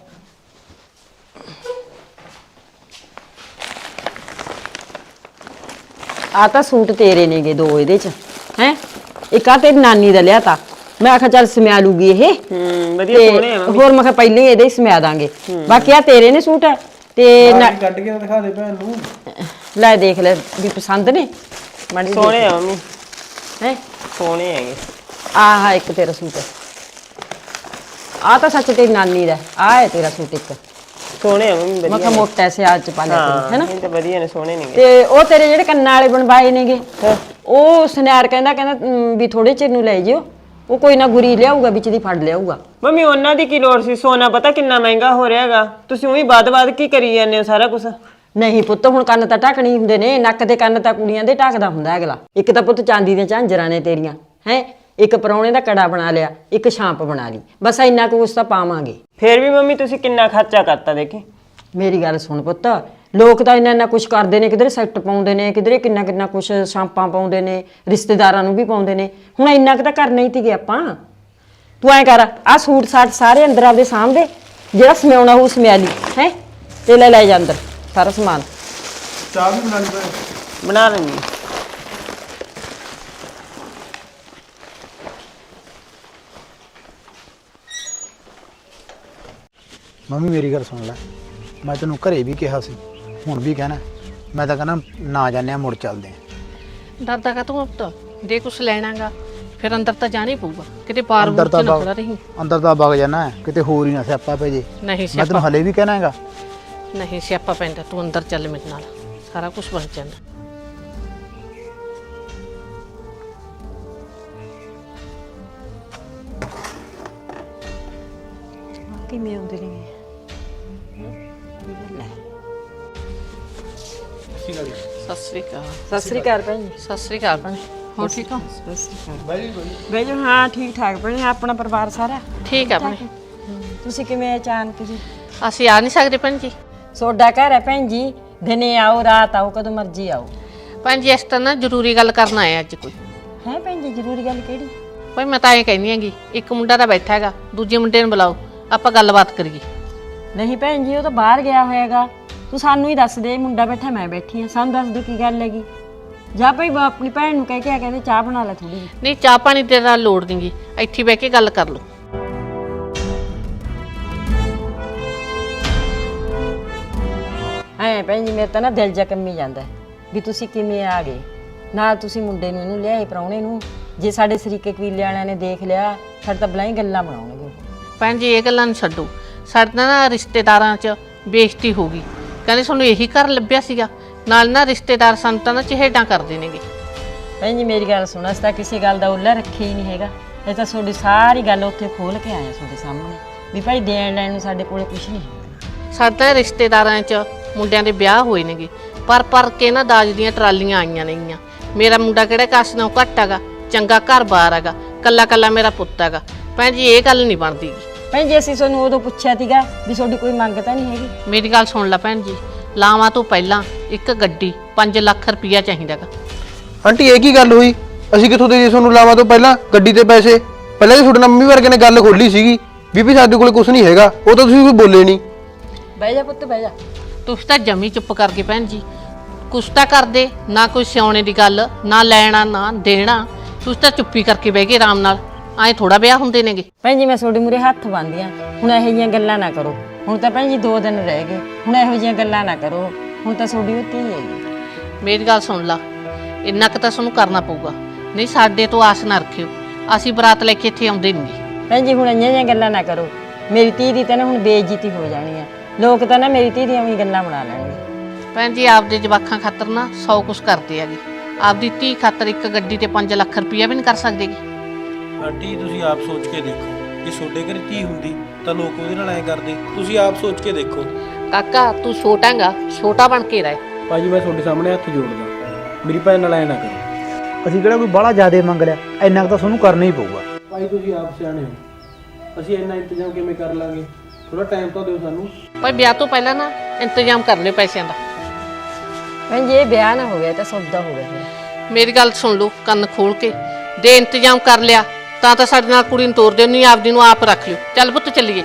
[SPEAKER 3] ਆ ਤਾਂ ਸੂਟ ਤੇਰੇ ਨੇਗੇ ਦੋ ਇਹਦੇ 'ਚ ਹੈ। ਇੱਕ ਆ ਤੇਰੀ ਨਾਨੀ ਦਾ ਲਿਆ ਤਾ, ਮੈਂ ਆਖਿਆ ਚੱਲ ਸਮਿਆ ਲੂਗੀ ਇਹ।
[SPEAKER 6] ਹੂੰ ਵਧੀਆ
[SPEAKER 3] ਤੇ
[SPEAKER 6] ਸੋਹਣੇ ਆ ਮੰਮੀ।
[SPEAKER 3] ਹੋਰ ਮੈਂ ਕਿਹਾ ਪਹਿਲੇ ਇਹਦੇ ਹੀ ਸਮਿਆ ਦਾਂਗੇ। ਬਾਕੀ ਆ ਤੇਰੇ ਨੇ ਸੂਟ ਤੇ ਨਾ-
[SPEAKER 7] ਕੱਢ ਕੇ ਦਿਖਾ ਦੇ ਭੈਣ ਨੂੰ।
[SPEAKER 3] ਲੈ ਦੇਖ ਲੈ ਵੀ ਪਸੰਦ ਨੇ ਮਾੜੀ
[SPEAKER 6] ਸੋਹਣੇ ਆ ਮੰਮੀ,
[SPEAKER 3] ਹੈ।
[SPEAKER 6] ਸੋਹਣੇ ਹੈਗੇ।
[SPEAKER 3] ਆਹ ਇੱਕ ਤੇਰਾ ਸੂਟ, ਆ ਤਾਂ ਸੱਚ ਤੇਰੀ ਨਾਨੀ ਦਾ, ਆ ਹੈ ਤੇਰਾ ਸੂਟ ਇੱਕ।
[SPEAKER 6] ਸੋਹਣੇ ਆ ਮੰਮੀ
[SPEAKER 3] ਮੈਂ
[SPEAKER 6] ਵਧੀਆ
[SPEAKER 3] ਕਿਹਾ
[SPEAKER 6] ਨੇ।
[SPEAKER 3] ਮੋਟਾ ਸਿਆਜ ਚ ਪਾ ਲਿਆ ਤੇਰੀ, ਹੈਨਾ।
[SPEAKER 6] ਇਹ ਤਾਂ ਵਧੀਆ ਨੇ, ਸੋਹਣੇ ਨੇਗੇ।
[SPEAKER 3] ਤੇ ਉਹ ਤੇਰੇ ਜਿਹੜੇ ਕੰਨਾਂ ਵਾਲੇ ਬਣਵਾਏ ਨੇਗੇ, ਉਹ ਸੁਨਿਆਰ ਕਹਿੰਦਾ ਕਹਿੰਦਾ ਅਮ, ਵੀ ਥੋੜੇ ਚਿਰ ਨੂੰ ਲੈ ਜਿਓ, ਉਹ ਕੋਈ ਨਾ ਗੁਰੀ ਲਿਆਊਗਾ, ਵਿੱਚ ਦੀ ਫੜ ਲਿਆਊਗਾ।
[SPEAKER 6] ਮੰਮੀ ਉਹਨਾਂ ਦੀ ਕੀ ਲੋੜ ਸੀ? ਸੋਨਾ ਪਤਾ ਕਿੰਨਾ ਮਹਿੰਗਾ ਹੋ ਰਿਹਾ ਹੈਗਾ। ਤੁਸੀਂ ਉਹੀ ਬਾਦ-ਬਾਦ ਕੀ ਕਰੀ ਜਾਂਦੇ ਹੋ ਸਾਰਾ ਕੁਝ?
[SPEAKER 3] ਨਹੀਂ ਪੁੱਤ, ਹੁਣ ਕੰਨ ਤਾਂ ਢੱਕਣੀ ਹੁੰਦੇ ਨੇ, ਨੱਕ ਦੇ ਕੰਨ ਤਾਂ ਕੁੜੀਆਂ ਦੇ ਢੱਕਦਾ ਹੁੰਦਾ ਅਗਲਾ। ਇੱਕ ਤਾਂ ਪੁੱਤ ਚਾਂਦੀ ਦੀਆਂ ਝਾਂਜਰਾਂ ਨੇ ਤੇਰੀਆਂ ਹੈ, ਇੱਕ ਪਰੌਣੇ ਦਾ ਕੜਾ ਬਣਾ ਲਿਆ, ਇੱਕ ਛਾਂਪ ਬਣਾ ਲਈ, ਬਸ ਇੰਨਾ ਕੁ ਉਸ ਤਾਂ ਪਾਵਾਂਗੇ।
[SPEAKER 6] ਫੇਰ ਵੀ ਮੰਮੀ ਤੁਸੀਂ ਕਿੰਨਾ ਖਰਚਾ ਕਰਤਾ ਦੇਖੀ।
[SPEAKER 3] ਮੇਰੀ ਗੱਲ ਸੁਣ ਪੁੱਤ, ਲੋਕ ਤਾਂ ਇੰਨਾ ਇੰਨਾ ਕੁਛ ਕਰਦੇ ਨੇ, ਕਿਧਰੇ ਸੈੱਟ ਪਾਉਂਦੇ ਨੇ, ਕਿਧਰੇ ਕਿੰਨਾ ਕਿੰਨਾ ਕੁਛ ਸ਼ਾਂਪਾਂ ਪਾਉਂਦੇ ਨੇ, ਰਿਸ਼ਤੇਦਾਰਾਂ ਨੂੰ ਵੀ ਪਾਉਂਦੇ ਨੇ। ਹੁਣ ਇੰਨਾ ਕੁ ਤਾਂ ਕਰਨਾ ਹੀ ਤੀਗੇ ਆਪਾਂ। ਤੂੰ ਐਂ ਕਰ, ਆਹ ਸੂਟ ਸਾਟ ਸਾਰੇ ਅੰਦਰ ਆਪਦੇ ਸਾਹਮਣੇ, ਜਿਹੜਾ ਸਮਿਆਉਣਾ ਉਹ ਸਮਿਆ ਲਈ ਹੈ, ਤੇ ਲੈ ਲੈ ਜਾ ਅੰਦਰ ਸਾਰਾ ਸਮਾਨ।
[SPEAKER 7] ਚਾਹ ਵੀ ਬਣਾ ਲਈ ਭੈਣ।
[SPEAKER 6] ਬਣਾ ਲੈਂਦੀ।
[SPEAKER 4] ਮੰਮੀ ਮੇਰੀ ਗੱਲ ਸੁਣ ਲੈ, ਮੈਂ ਤੈਨੂੰ ਘਰੇ ਵੀ ਕਿਹਾ ਸੀ, ਹੁਣ ਵੀ ਕਹਿਣਾ, ਮੈਂ ਤਾਂ ਕਹਿੰਦਾ ਨਾ ਜਾਂਦੇ ਆ, ਮੁੜ ਚੱਲਦੇ ਆ।
[SPEAKER 2] ਡਰਦਾ ਕਾ ਤੂੰ ਪੁੱਤ, ਜੇ ਕੁਛ ਲੈਣਾਗਾ ਫਿਰ ਅੰਦਰ ਤਾਂ ਜਾਣਾ ਹੀ ਪਊਗਾ, ਕਿਤੇ ਪਾਰ
[SPEAKER 4] ਅੰਦਰ
[SPEAKER 2] ਬੂਰ
[SPEAKER 4] ਤਾਂ
[SPEAKER 2] ਚ ਨਾ
[SPEAKER 4] ਵਗ-
[SPEAKER 2] ਖੜਾ ਰਹੀ।
[SPEAKER 4] ਅੰਦਰ ਤਾਂ ਵਗ ਜਾਣਾ ਹੈ, ਕਿਤੇ ਹੋਰ ਹੀ ਨਾ ਸਿਆਪਾ ਪੈ ਜੇ।
[SPEAKER 2] ਨਹੀਂ
[SPEAKER 4] ਮੈਂ
[SPEAKER 2] ਸਿਆਪਾ,
[SPEAKER 4] ਤੈਨੂੰ ਹਲੇ ਵੀ ਕਹਿਣਾ ਹੈਗਾ।
[SPEAKER 2] ਨਹੀਂ ਸਿਆਪਾ ਪੈਂਦਾ, ਤੂੰ ਅੰਦਰ ਚੱਲ ਮੇਰੇ ਨਾਲ, ਸਾਰਾ ਕੁਝ ਬਣ ਜਾਂਦਾ।
[SPEAKER 3] ਕਿਵੇਂ ਆਉਂਦੇ ਨੇ?
[SPEAKER 2] ਸਤਿ ਸ੍ਰੀ ਅਕਾਲ।
[SPEAKER 3] ਸਤਿ ਸ੍ਰੀ ਅਕਾਲ ਭੈਣ ਜੀ।
[SPEAKER 2] ਸਤਿ ਸ੍ਰੀ ਅਕਾਲ ਭੈਣੇ, ਹੋਰ ਠੀਕ ਹੋ?
[SPEAKER 3] ਸਤਿ ਸ੍ਰੀ ਅਕਾਲ। ਬਈ ਜੀ ਹਾਂ ਠੀਕ ਠਾਕ ਭੈਣੇ, ਆਪਣਾ ਪਰਿਵਾਰ ਸਾਰਾ
[SPEAKER 2] ਠੀਕ ਆ ਭੈਣੇ।
[SPEAKER 3] ਤੁਸੀਂ ਕਿਵੇਂ ਅਚਾਨਕ ਜੀ?
[SPEAKER 2] ਅਸੀਂ ਆ ਨਹੀਂ ਸਕਦੇ ਭੈਣ ਜੀ।
[SPEAKER 3] ਸੋਡਾ ਘਰ ਹੈ ਭੈਣ ਜੀ, ਦਿਨੇ ਆਓ ਰਾਤ ਆਓ, ਕਦੋਂ ਮਰਜ਼ੀ ਆਓ।
[SPEAKER 2] ਭੈਣ ਜੀ ਇਸ ਤਰ੍ਹਾਂ ਨਾ ਜ਼ਰੂਰੀ ਗੱਲ ਕਰਨ ਆਏ ਅੱਜ ਕੋਈ।
[SPEAKER 3] ਹੈ ਭੈਣ ਜੀ, ਜ਼ਰੂਰੀ ਗੱਲ ਕਿਹੜੀ?
[SPEAKER 2] ਭਾਈ ਮੈਂ ਤਾਂ ਇਹ ਕਹਿੰਦੀ ਹੈਗੀ, ਇੱਕ ਮੁੰਡਾ ਤਾਂ ਬੈਠਾ ਹੈਗਾ, ਦੂਜੇ ਮੁੰਡੇ ਨੂੰ ਬੁਲਾਓ, ਆਪਾਂ ਗੱਲਬਾਤ ਕਰੀਏ।
[SPEAKER 3] ਨਹੀਂ ਭੈਣ ਜੀ, ਉਹ ਤਾਂ ਬਾਹਰ ਗਿਆ ਹੋਏਗਾ, ਤੂੰ ਸਾਨੂੰ ਹੀ ਦੱਸ ਦੇ, ਮੁੰਡਾ ਬੈਠਾ ਮੈਂ ਬੈਠੀ ਆ, ਸਾਨੂੰ ਦੱਸ ਦੇ ਕੀ ਗੱਲ ਹੈਗੀ। ਜਾ ਭਾਈ ਆਪਣੀ ਭੈਣ ਨੂੰ ਕਹਿ ਕੇ ਆ, ਕਹਿੰਦੇ ਚਾਹ ਬਣਾ ਲੈ ਥੋੜੀ ਜਿਹੀ।
[SPEAKER 2] ਨਹੀਂ ਚਾਹ ਪਾਣੀ ਤੇ ਤਾਂ ਲੋੜ ਨਹੀਂਗੀ, ਇੱਥੇ ਬਹਿ ਕੇ ਗੱਲ ਕਰ ਲਓ।
[SPEAKER 3] ਐ ਭੈਣ ਜੀ ਮੇਰੇ ਤਾਂ ਨਾ ਦਿਲ ਜਾ ਕੰਮੀ ਜਾਂਦਾ ਹੈ ਵੀ ਤੁਸੀਂ ਕਿਵੇਂ ਆ ਗਏ ਨਾਲ ਤੁਸੀਂ ਮੁੰਡੇ ਨੂੰ ਇਹਨੂੰ ਲਿਆਏ ਪ੍ਰਾਹੁਣੇ ਨੂੰ। ਜੇ ਸਾਡੇ ਸਰੀਕੇ ਕਬੀਲੇ ਵਾਲਿਆਂ ਨੇ ਦੇਖ ਲਿਆ ਸਾਡੇ ਤਾਂ ਬਲਾਈ ਗੱਲਾਂ ਬਣਾਉਣਗੇ ਉਹ।
[SPEAKER 2] ਭੈਣ ਜੀ ਇਹ ਗੱਲਾਂ ਨੂੰ ਛੱਡੋ, ਸਾਡੇ ਤਾਂ ਨਾ ਰਿਸ਼ਤੇਦਾਰਾਂ 'ਚ ਬੇਇੱਜ਼ਤੀ ਹੋ ਗਈ। ਕਹਿੰਦੇ ਸਾਨੂੰ ਇਹੀ ਘਰ ਲੱਭਿਆ ਸੀਗਾ, ਨਾਲ ਨਾ ਰਿਸ਼ਤੇਦਾਰ ਸਾਨੂੰ ਤਾਂ ਨਾ ਚਿਹੇਡਾਂ ਕਰਦੇ ਨੇਗੇ।
[SPEAKER 3] ਭੈਣ ਜੀ ਮੇਰੀ ਗੱਲ ਸੁਣ, ਅਸੀਂ ਤਾਂ ਕਿਸੇ ਗੱਲ ਦਾ ਉੱਲਾ ਰੱਖਿਆ ਹੀ ਨਹੀਂ ਹੈਗਾ। ਇਹ ਤਾਂ ਤੁਹਾਡੀ ਸਾਰੀ ਗੱਲ ਉੱਥੇ ਖੋਲ ਕੇ ਆਇਆ ਤੁਹਾਡੇ ਸਾਹਮਣੇ ਵੀ ਭਾਈ ਦੇਣ ਲੈਣ ਨੂੰ ਸਾਡੇ ਕੋਲੇ ਕੁਝ ਨਹੀਂ ਹੈ।
[SPEAKER 2] ਸਾਡੇ ਤਾਂ ਰਿਸ਼ਤੇਦਾਰਾਂ 'ਚ ਮੁੰਡਿਆਂ ਦੇ ਵਿਆਹ ਹੋਏ ਨੇਗੇ, ਪਰ ਪਰ ਕੇ ਨਾ ਦਾਜ ਦੀਆਂ ਟਰਾਲੀਆਂ ਆਈਆਂ ਨੇਗੀਆਂ। ਮੇਰਾ ਮੁੰਡਾ ਕਿਹੜਾ ਕਾਸ ਨਾਲੋਂ ਘੱਟ ਹੈਗਾ, ਚੰਗਾ ਘਰ-ਬਾਰ ਹੈਗਾ, ਕੱਲਾ ਕੱਲਾ ਮੇਰਾ ਪੁੱਤ ਹੈਗਾ। ਭੈਣ ਜੀ ਇਹ ਗੱਲ ਨਹੀਂ ਬਣਦੀ।
[SPEAKER 3] ਭੈਣ ਜੀ ਅਸੀਂ ਤੁਹਾਨੂੰ ਉਦੋਂ ਪੁੱਛਿਆ ਸੀਗਾ ਵੀ ਤੁਹਾਡੀ ਕੋਈ ਮੰਗ ਤਾਂ ਨਹੀਂ ਹੈਗੀ।
[SPEAKER 2] ਮੇਰੀ ਗੱਲ ਸੁਣ ਲੈ ਭੈਣ ਜੀ, ਲਾਵਾਂ ਤੋਂ ਪਹਿਲਾਂ ਇੱਕ ਗੱਡੀ ਪੰਜ ਲੱਖ ਰੁਪਈਆ ਚਾਹੀਦਾਗਾ।
[SPEAKER 7] ਆਂਟੀ ਇਹ ਕੀ ਗੱਲ ਹੋਈ? ਅਸੀਂ ਕਿੱਥੋਂ ਦੇ ਜੀ ਤੁਹਾਨੂੰ ਲਾਵਾਂ ਤੋਂ ਪਹਿਲਾਂ ਗੱਡੀ ਤੇ ਪੈਸੇ? ਪਹਿਲਾਂ ਹੀ ਤੁਹਾਡੇ ਨਾਲ ਮੰਮੀ ਵਰਗੇ ਨੇ ਗੱਲ ਖੋਲੀ ਸੀਗੀ ਵੀ ਵੀ ਸਾਡੇ ਕੋਲੇ ਕੁਝ ਨਹੀਂ ਹੈਗਾ, ਉਹ ਤਾਂ ਤੁਸੀਂ ਕੋਈ ਬੋਲੇ ਨਹੀਂ।
[SPEAKER 3] ਬਹਿ ਜਾ ਪੁੱਤ ਬਹਿ ਜਾ।
[SPEAKER 2] ਤੁਸੀਂ ਤਾਂ ਜਮੀ ਚੁੱਪ ਕਰਕੇ ਭੈਣ ਜੀ ਕੁਛ ਤਾਂ ਕਰਦੇ ਨਾ, ਕੋਈ ਸਿਆਉਣੇ ਦੀ ਗੱਲ ਨਾ, ਲੈਣਾ ਨਾ ਦੇਣਾ। ਤੁਸੀਂ ਤਾਂ ਚੁੱਪੀ ਕਰਕੇ ਬਹਿ ਗਏ ਆਰਾਮ ਨਾਲ। ਐਂ ਥੋੜਾ ਵਿਆਹ ਹੁੰਦੇ ਨੇਗੇ।
[SPEAKER 3] ਭੈਣ ਜੀ ਮੈਂ ਤੁਹਾਡੇ ਮੂਹਰੇ ਹੱਥ ਬੰਨ੍ਹਦੀ ਹਾਂ, ਹੁਣ ਇਹੋ ਜਿਹੀਆਂ ਗੱਲਾਂ ਨਾ ਕਰੋ। ਹੁਣ ਤਾਂ ਭੈਣ ਜੀ ਦੋ ਦਿਨ ਰਹਿ ਗਏ, ਹੁਣ ਇਹੋ ਜਿਹੀਆਂ ਗੱਲਾਂ ਨਾ ਕਰੋ। ਹੁਣ ਤਾਂ ਤੁਹਾਡੀ ਉਹ ਧੀ ਹੈਗੀ।
[SPEAKER 2] ਮੇਰੀ ਗੱਲ ਸੁਣ ਲਾ, ਇੰਨਾ ਕੁ ਤਾਂ ਤੁਹਾਨੂੰ ਕਰਨਾ ਪਊਗਾ, ਨਹੀਂ ਸਾਡੇ ਤੋਂ ਆਸ ਨਾ ਰੱਖਿਓ। ਅਸੀਂ ਬਰਾਤ ਲੈ ਕੇ ਇੱਥੇ ਆਉਂਦੇ ਨਹੀਂ।
[SPEAKER 3] ਭੈਣ ਜੀ ਹੁਣ ਇੰਨੀਆਂ ਜਿਹੀਆਂ ਗੱਲਾਂ ਨਾ ਕਰੋ। ਮੇਰੀ ਧੀ ਦੀ ਤਾਂ ਨਾ ਹੁਣ ਬੇਇੱਜ਼ਤੀ ਹੋ ਜਾਣੀ ਹੈ। ਲੋਕ ਤਾਂ ਨਾ ਮੇਰੀ ਧੀ ਦੀਆਂ ਵੀ ਗੱਲਾਂ ਬਣਾ ਲੈਣਗੇ।
[SPEAKER 2] ਭੈਣ ਜੀ ਆਪਦੇ ਜਵਾਕਾਂ ਖਾਤਰ ਨਾ ਸੌ ਕੁਛ ਕਰਦੇ ਹੈਗੇ, ਆਪਦੀ ਧੀ ਖਾਤਰ ਇੱਕ ਗੱਡੀ ਤੇ ਪੰਜ ਲੱਖ ਰੁਪਈਆ ਵੀ ਨਹੀਂ ਕਰ ਸਕਦੇਗੀ।
[SPEAKER 7] ਆਂਟੀ ਤੁਸੀਂ ਆਪ ਸੋਚ ਕੇ ਦੇਖੋ, ਜੇ ਤੁਹਾਡੇ ਘਰੇ ਧੀ ਹੁੰਦੀ ਤਾਂ ਲੋਕ ਉਹਦੇ ਨਾਲ ਐਂ ਕਰਦੇ। ਤੁਸੀਂ ਆਪ ਸੋਚ ਕੇ ਦੇਖੋ।
[SPEAKER 2] ਕਾਕਾ ਤੂੰ ਛੋਟਾਂਗਾ, ਛੋਟਾ ਬਣ ਕੇ ਰਹਿ।
[SPEAKER 7] ਭਾਜੀ ਮੈਂ ਤੁਹਾਡੇ ਸਾਹਮਣੇ ਹੱਥ ਜੋੜਦਾ, ਮੇਰੀ ਭੈਣ ਨਾਲ ਐਂ ਨਾ ਕਰੋ।
[SPEAKER 4] ਅਸੀਂ ਕਿਹੜਾ ਕੋਈ ਬਾਹਲਾ ਜ਼ਿਆਦਾ ਮੰਗ ਲਿਆ, ਇੰਨਾ ਕੁ ਤਾਂ ਤੁਹਾਨੂੰ ਕਰਨਾ ਹੀ ਪਊਗਾ।
[SPEAKER 7] ਭਾਈ ਤੁਸੀਂ ਆਪ ਸਿਆਣੇ ਹੋ, ਅਸੀਂ ਇੰਨਾ ਇੰਤਜ਼ਾਮ ਕਿਵੇਂ ਕਰ ਲਾਂਗੇ? ਥੋੜਾ ਟਾਈਮ ਤਾਂ ਦਿਓ ਸਾਨੂੰ।
[SPEAKER 2] ਭਾਈ ਵਿਆਹ ਤੋਂ ਪਹਿਲਾਂ ਨਾ ਇੰਤਜ਼ਾਮ ਕਰ ਲਿਓ ਪੈਸਿਆਂ ਦਾ।
[SPEAKER 3] ਭੈਣ ਜੀ ਇਹ ਵਿਆਹ ਨਾ ਹੋ ਗਿਆ ਤਾਂ ਸੌਦਾ ਹੋ ਗਿਆ ਫਿਰ।
[SPEAKER 2] ਮੇਰੀ ਗੱਲ ਸੁਣ ਲਓ ਕੰਨ ਖੋਲ ਕੇ, ਦੇ ਇੰਤਜ਼ਾਮ ਕਰ ਲਿਆ ਤਾਂ ਤਾਂ ਸਾਡੇ ਨਾਲ ਕੁੜੀ ਨੂੰ ਤੋਰ ਦਿਓ, ਨਹੀਂ ਆਪਦੀ ਨੂੰ ਆਪ ਰੱਖ ਲਿਓ। ਚੱਲ ਪੁੱਤ ਚੱਲੀਏ।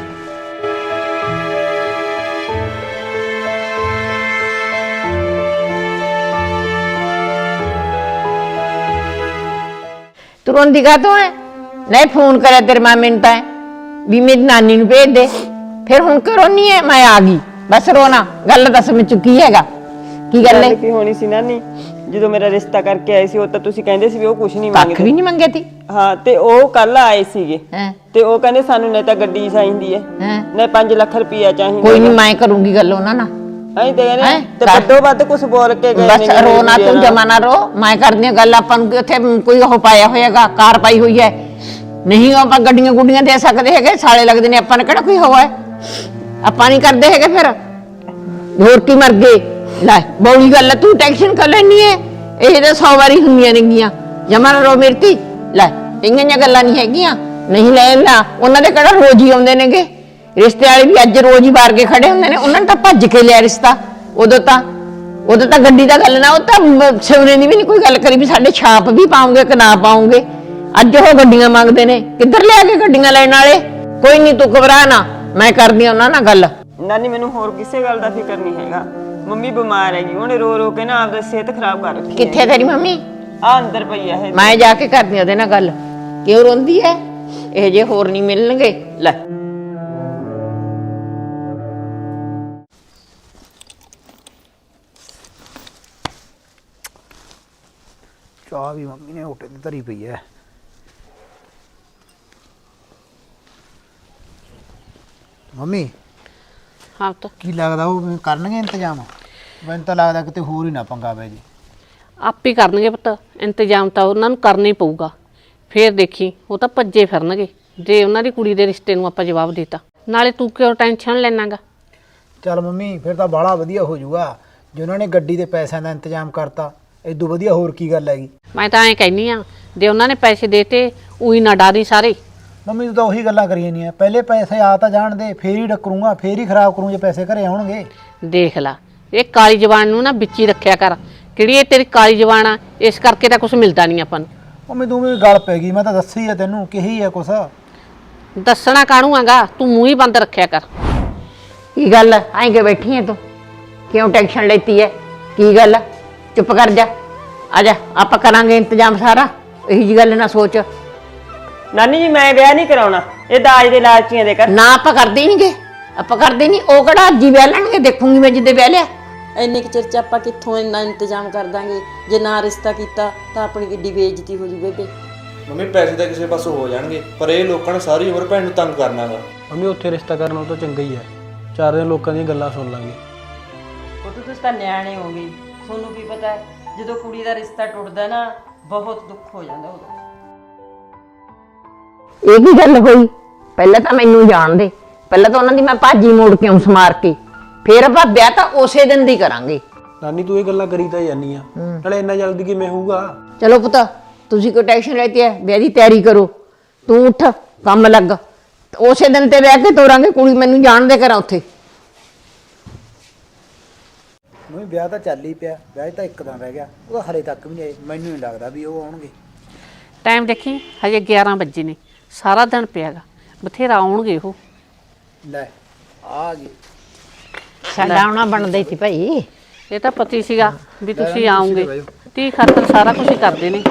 [SPEAKER 1] ਤੂੰ ਰੋਂਦੀ ਕਾਹਤੋਂ ਹੈ? ਨਹੀਂ ਫੋਨ ਕਰਿਆ ਤੇਰੇ ਮਾਮੇ ਨੂੰ ਤਾਂ ਵੀ ਮੇਰੀ ਨਾਨੀ ਨੂੰ ਭੇਜ ਦੇ, ਫਿਰ ਹੁਣ ਕਿਉਂ ਰੋਨੀ ਹੈ? ਮੈਂ ਆ ਗਈ ਬਸ, ਰੋਣਾ ਗੱਲ ਦੱਸ ਮੈਂ ਚੁੱਕੀ ਹੈਗਾ। ਕੀ ਗੱਲ ਹੈ?
[SPEAKER 6] ਕੀ ਹੋਣੀ ਸੀ ਨਾਨੀ, ਜਦੋਂ ਮੇਰਾ ਰਿਸ਼ਤਾ ਕਰਕੇ ਆਏ ਸੀ ਉਹ ਤਾਂ ਤੁਸੀਂ ਕਹਿੰਦੇ ਸੀ ਵੀ ਉਹ ਕੁਝ ਨਹੀਂ
[SPEAKER 1] ਕੱਖ
[SPEAKER 6] ਮੰਗਦੇ।
[SPEAKER 1] ਵੀ ਨਹੀਂ ਮੰਗੇ ਤੀ।
[SPEAKER 6] ਹਾਂ ਤੇ ਉਹ ਕੱਲ ਆਏ ਸੀਗੇ
[SPEAKER 1] ਹੈਂ
[SPEAKER 6] ਤੇ ਉਹ ਕਹਿੰਦੇ ਸਾਨੂੰ ਨਹੀਂ ਤਾਂ ਗੱਡੀ ਚਾਹੀਦੀ ਹੈ,
[SPEAKER 1] ਹੈਂ
[SPEAKER 6] ਨਹੀਂ ਪੰਜ ਲੱਖ ਰੁਪਈਆ ਚਾਹੀਦਾ।
[SPEAKER 1] ਕੋਈ ਨਹੀਂ ਮੈਂ ਕਰੂੰਗੀ ਗੱਲ ਉਹਨਾਂ ਨਾਲ।
[SPEAKER 6] ਐਂ ਤੇ
[SPEAKER 1] ਹੈਂ?
[SPEAKER 6] ਕਹਿੰਦੇ ਤੇ ਵੱਡੋ ਵੱਧ ਕੁਝ ਬੋਲ ਕੇ ਗਏ
[SPEAKER 1] ਬਸ
[SPEAKER 6] ਨੇ।
[SPEAKER 1] ਰੋ ਨਾ ਤੂੰ, ਜਮਾ ਨਾ ਰੋ। ਮੈਂ ਕਰਦੀ ਹਾਂ ਗੱਲ, ਆਪਾਂ ਨੂੰ ਉੱਥੇ ਕੋਈ ਉਹ ਪਾਇਆ ਹੋਏਗਾ, ਕਾਰ ਪਾਈ ਹੋਈ ਹੈ, ਨਹੀਂ ਆਪਾਂ ਗੱਡੀਆਂ ਗੁੱਡੀਆਂ ਦੇ ਸਕਦੇ ਹੈਗੇ, ਸਾਲੇ ਲੱਗਦੇ ਨੇ, ਆਪਾਂ ਨੇ ਕਿਹੜਾ ਕੋਈ ਹੋਇਆ? ਆਪਾਂ ਨਹੀਂ ਕਰਦੇ ਹੈਗੇ। ਫਿਰ ਹੋਰ ਕੀ ਮਰ ਗਏ? ਲੈ ਬੌਲੀ ਗੱਲ ਹੈ, ਤੂੰ ਟੈਨਸ਼ਨ ਕਰ ਲੈਣੀ ਹੈ। ਇਹ ਤਾਂ ਸੌ ਵਾਰੀ ਹੁੰਦੀਆਂ ਨੇਗੀਆਂ। ਜਮਾ ਨਾ ਰੋ ਮੇਰੀ ਧੀ। ਲੈ ਇੰਨੀਆਂ ਜਿਹੀਆਂ ਗੱਲਾਂ ਨਹੀਂ ਹੈਗੀਆਂ। ਨਹੀਂ ਲੈ ਲਾ, ਉਹਨਾਂ ਦੇ ਕਿਹੜਾ ਰੋਜ਼ ਹੀ ਆਉਂਦੇ ਨੇਗੇ ਰਿਸ਼ਤੇ ਵਾਲੇ, ਵੀ ਅੱਜ ਰੋਜ਼ ਹੀ ਬਾਹਰ ਕੇ ਖੜੇ ਹੁੰਦੇ ਨੇ। ਉਹਨਾਂ ਨੇ ਤਾਂ ਭੱਜ ਕੇ ਲਿਆ ਰਿਸ਼ਤਾ। ਉਦੋਂ ਤਾਂ ਉਦੋਂ ਤਾਂ ਗੱਡੀ ਦਾ ਗੱਲ ਨਾ, ਉਹ ਤਾਂ ਸਿਵਰੇ ਦੀ ਵੀ ਨਹੀਂ ਕੋਈ ਗੱਲ ਕਰੀ ਵੀ ਸਾਡੇ ਛਾਪ ਵੀ ਪਾਉਂਗੇ ਕਿ ਨਾ ਪਾਉਂਗੇ। ਅੱਜ ਉਹ ਗੱਡੀਆਂ ਮੰਗਦੇ ਨੇ, ਕਿੱਧਰ ਲਿਆ ਕੇ ਗੱਡੀਆਂ ਲੈਣ ਵਾਲੇ। ਕੋਈ ਨਹੀਂ ਤੂੰ ਘਬਰਾ ਨਾ, ਮੈਂ ਕਰਦੀ ਉਹਨਾਂ ਨਾਲ ਗੱਲ।
[SPEAKER 6] ਨਾਨੀ ਮੈਨੂੰ ਹੋਰ ਕਿਸੇ ਗੱਲ ਦਾ ਫਿਕਰ ਨਹੀਂ ਹੈਗਾ। ਮੰਮੀ ਬਿਮਾਰ ਹੈਗੀ, ਉਹਨੇ ਰੋ ਰੋ ਕੇ ਨਾ ਆਪਦੀ ਸਿਹਤ ਖਰਾਬ ਕਰ ਰੱਖੀ।
[SPEAKER 1] ਕਿੱਥੇ ਤੇਰੀ ਮੰਮੀ?
[SPEAKER 6] ਆ ਅੰਦਰ ਪਈ ਹੈ।
[SPEAKER 1] ਮੈਂ ਜਾ ਕੇ ਕਰਦੀ ਉਹਦੇ ਨਾਲ ਗੱਲ। ਕਿਉਂ ਰੋਂਦੀ ਹੈ? ਇਹ ਜੇ ਹੋਰ ਨਹੀਂ ਮਿਲਣਗੇ। ਲੈ
[SPEAKER 4] ਚਾਹ ਵੀ ਮੰਮੀ ਨੇ ਹੋਟੇ ਤੇ ਧਰੀ ਪਈ ਹੈ। ਮੰਮੀ
[SPEAKER 2] ਹਾਂ ਤਾਂ
[SPEAKER 4] ਕੀ ਲੱਗਦਾ ਉਹ ਕਰਨਗੇ ਇੰਤਜ਼ਾਮ? ਮੈਨੂੰ ਤਾਂ ਲੱਗਦਾ ਕਿਤੇ ਹੋਰ ਹੀ ਨਾ ਪੰਗਾ ਪੈ ਜੀ।
[SPEAKER 2] ਆਪੇ ਕਰਨਗੇ ਪੁੱਤ ਇੰਤਜ਼ਾਮ, ਤਾਂ ਉਹਨਾਂ ਨੂੰ ਕਰਨਾ ਹੀ ਪਊਗਾ। ਫੇਰ ਦੇਖੀ ਉਹ ਤਾਂ ਭੱਜੇ ਫਿਰਨਗੇ ਜੇ ਉਹਨਾਂ ਦੀ ਕੁੜੀ ਦੇ ਰਿਸ਼ਤੇ ਨੂੰ ਆਪਾਂ ਜਵਾਬ ਦਿੱਤਾ। ਨਾਲੇ ਤੂੰ ਕਿਉਂ ਟੈਨਸ਼ਨ ਲੈਣਾਗਾ?
[SPEAKER 4] ਚੱਲ ਮੰਮੀ ਫਿਰ ਤਾਂ ਬਾਹਲਾ ਵਧੀਆ ਹੋ ਜਾਊਗਾ ਜੇ ਉਹਨਾਂ ਨੇ ਗੱਡੀ ਦੇ ਪੈਸਿਆਂ ਦਾ ਇੰਤਜ਼ਾਮ ਕਰਤਾ। ਇਦੋਂ ਵਧੀਆ ਹੋਰ ਕੀ ਗੱਲ ਹੈਗੀ?
[SPEAKER 2] ਮੈਂ ਤਾਂ ਐਂ ਕਹਿੰਨੀ ਆ, ਜੇ ਉਹਨਾਂ ਨੇ ਪੈਸੇ ਦੇਤੇ ਉਹੀ ਨਾ ਡਾਰੀ ਸਾਰੇ।
[SPEAKER 4] ਮੰਮੀ ਤੂੰ ਤਾਂ ਉਹੀ ਗੱਲਾਂ ਕਰੀ ਜਾਂਦੀ ਆ। ਪਹਿਲੇ ਪੈਸੇ ਆ ਤਾਂ ਜਾਣ ਦੇ, ਫੇਰ ਹੀ ਡੱਕਰੂੰਗਾ, ਫੇਰ ਹੀ ਖਰਾਬ ਕਰੂੰ ਜੇ ਪੈਸੇ ਘਰੇ ਆਉਣਗੇ।
[SPEAKER 2] ਦੇਖ ਲਾ ਇਹ ਕਾਲੀ ਜ਼ਬਾਨ ਨੂੰ ਨਾ ਵਿੱਚ ਹੀ ਰੱਖਿਆ ਕਰ। ਕਿਹੜੀ ਇਹ ਤੇਰੀ ਕਾਲੀ ਜ਼ਬਾਨ ਆ, ਇਸ ਕਰਕੇ ਤਾਂ ਕੁਝ ਮਿਲਦਾ ਨਹੀਂ ਆਪਾਂ ਨੂੰ।
[SPEAKER 4] ਮੰਮੀ ਤੂੰ ਵੀ ਗੱਲ ਪੈ ਗਈ, ਮੈਂ ਤਾਂ ਦੱਸੀ ਆ ਤੈਨੂੰ, ਕਹੀ ਆ ਕੁਛ।
[SPEAKER 2] ਦੱਸਣਾ ਕਾਹਨੂੰ ਆਗਾ, ਤੂੰ ਮੂੰਹ ਹੀ ਬੰਦ ਰੱਖਿਆ ਕਰ।
[SPEAKER 1] ਕੀ ਗੱਲ ਐਂ ਕਿ ਬੈਠੀ ਹੈ ਤੂੰ? ਕਿਉਂ ਟੈਨਸ਼ਨ ਲੈਤੀ ਹੈ? ਕੀ ਗੱਲ? ਚੁੱਪ ਕਰ ਜਾ, ਆ ਜਾ, ਆਪਾਂ ਕਰਾਂਗੇ ਇੰਤਜ਼ਾਮ ਸਾਰਾ। ਇਹੀ ਜੀ ਗੱਲ ਨਾ ਸੋਚ।
[SPEAKER 6] ਨਾਨੀ ਜੀ ਮੈਂ ਵਿਆਹ ਨਹੀਂ ਕਰਾਉਣਾ, ਇਹ ਦਾਜ ਦੇ ਲਾਲਚੀਆਂ ਦੇ ਕਰ।
[SPEAKER 1] ਨਾ ਆਪਾਂ ਕਰਦੇ ਹੀ ਨਹੀਂਗੇ, ਆਪਾਂ ਕਰਦੇ ਨਹੀਂ। ਉਹ ਕਿਹੜਾ ਅੱਜ ਹੀ ਵਿਆਹ ਲੈਣਗੇ, ਦੇਖੂੰਗੀ ਮੈਂ ਜਿੱਦੇ ਵਿਆਹ ਲਿਆ।
[SPEAKER 3] ਇੰਨੇ ਕੁ ਚਿਰ ਚ ਆਪਾਂ ਕਿੱਥੋਂ ਇੰਨਾ ਇੰਤਜ਼ਾਮ ਕਰ ਦਾਂਗੇ। ਜੇ ਨਾ ਰਿਸ਼ਤਾ ਕੀਤਾ ਤਾਂ ਆਪਣੀ ਕਿੱਡੀ ਬੇਇੱਜ਼ਤੀ ਹੋ ਜੂ ਬੇਬੇ।
[SPEAKER 8] ਮੰਮੀ ਪੈਸੇ ਤਾਂ ਕਿਸੇ ਪਾਸੋਂ ਹੋ ਜਾਣਗੇ, ਪਰ ਇਹ ਲੋਕਾਂ ਨੇ ਸਾਰੀ ਉਮਰ ਭੈਣ ਨੂੰ ਤੰਗ ਕਰਨਾਗਾ।
[SPEAKER 7] ਮੰਮੀ ਉੱਥੇ ਰਿਸ਼ਤਾ ਕਰਨਾ ਤਾਂ ਚੰਗਾ ਹੀ ਹੈ, ਚਾਰ ਦਿਨ ਲੋਕਾਂ ਦੀਆਂ ਗੱਲਾਂ ਸੁਣ ਲਾਂਗੇ।
[SPEAKER 3] ਉਹ ਤਾਂ ਤੁਸੀਂ ਤਾਂ ਨਿਆਣੇ ਹੋਗੇ, ਤੁਹਾਨੂੰ ਕੀ ਪਤਾ ਹੈ, ਜਦੋਂ ਕੁੜੀ ਦਾ ਰਿਸ਼ਤਾ ਟੁੱਟਦਾ ਨਾ ਬਹੁਤ ਦੁੱਖ ਹੋ ਜਾਂਦਾ ਉਦੋਂ।
[SPEAKER 1] ਇਹ ਕੀ ਗੱਲ ਹੋਈ? ਪਹਿਲਾਂ ਤਾਂ ਮੈਨੂੰ ਜਾਣ ਦੇ, ਪਹਿਲਾਂ ਤਾਂ ਉਹਨਾਂ ਦੀ ਮੈਂ ਭਾਜੀ ਮੋੜ ਕੇ ਆਉਂ ਸਮਾਰ ਕੇ, ਫੇਰ ਆਪਾਂ ਵਿਆਹ ਤਾਂ ਉਸੇ ਦਿਨ ਦੀ ਕਰਾਂਗੇ।
[SPEAKER 7] ਨਾਨੀ ਤੂੰ ਇਹ ਗੱਲਾਂ ਕਰੀ ਤਾਂ ਜਾਨੀ ਆ, ਨਾਲੇ ਇੰਨਾ ਜਲਦੀ ਕਿਵੇਂ ਹੋਊਗਾ?
[SPEAKER 1] ਚਲੋ ਪੁੱਤ, ਤੁਸੀਂ ਕੋਈ ਟੈਨਸ਼ਨ ਲੈਤੀ ਹੈ, ਵਿਆਹ ਦੀ ਤਿਆਰੀ ਕਰੋ, ਤੂੰ ਉੱਠ ਕੰਮ ਲੱਗ, ਉਸੇ ਦਿਨ ਤੇ ਵਿਆਹ ਕੇ ਤੋਰਾਂਗੇ ਕੁੜੀ। ਮੈਨੂੰ ਜਾਣ ਦੇ ਕਰਾਂ ਉੱਥੇ।
[SPEAKER 4] ਮੰਮੀ ਵਿਆਹ ਤਾਂ ਚੱਲ ਹੀ ਪਿਆ, ਵਿਆਹ 'ਚ ਤਾਂ ਇੱਕ ਦਿਨ ਰਹਿ ਗਿਆ, ਉਹ ਹਲੇ ਤੱਕ ਵੀ ਨਹੀਂ ਆਏ। ਮੈਨੂੰ ਨਹੀਂ ਲੱਗਦਾ ਵੀ ਉਹ ਆਉਣਗੇ।
[SPEAKER 2] ਟਾਈਮ ਦੇਖੀ ਹਜੇ ਗਿਆਰਾਂ ਵਜੇ ਨੇ, ਸਾਰਾ ਦਿਨ ਪਿਆਗਾ, ਬਥੇਰਾ ਆਉਣਗੇ ਉਹ।
[SPEAKER 4] ਲੈ ਆ ਗਏ।
[SPEAKER 1] ਸਾਡਾ ਆਉਣਾ ਬਣਦਾ ਹੀ ਸੀ ਭਾਈ।
[SPEAKER 2] ਇਹ ਤਾਂ ਪਤੀ ਸੀਗਾ ਵੀ ਤੁਸੀਂ ਆਉਂਗੇ, ਤੀ ਖਾਤਰ ਸਾਰਾ ਕੁਝ ਹੀ ਕਰਦੇ ਨੇ।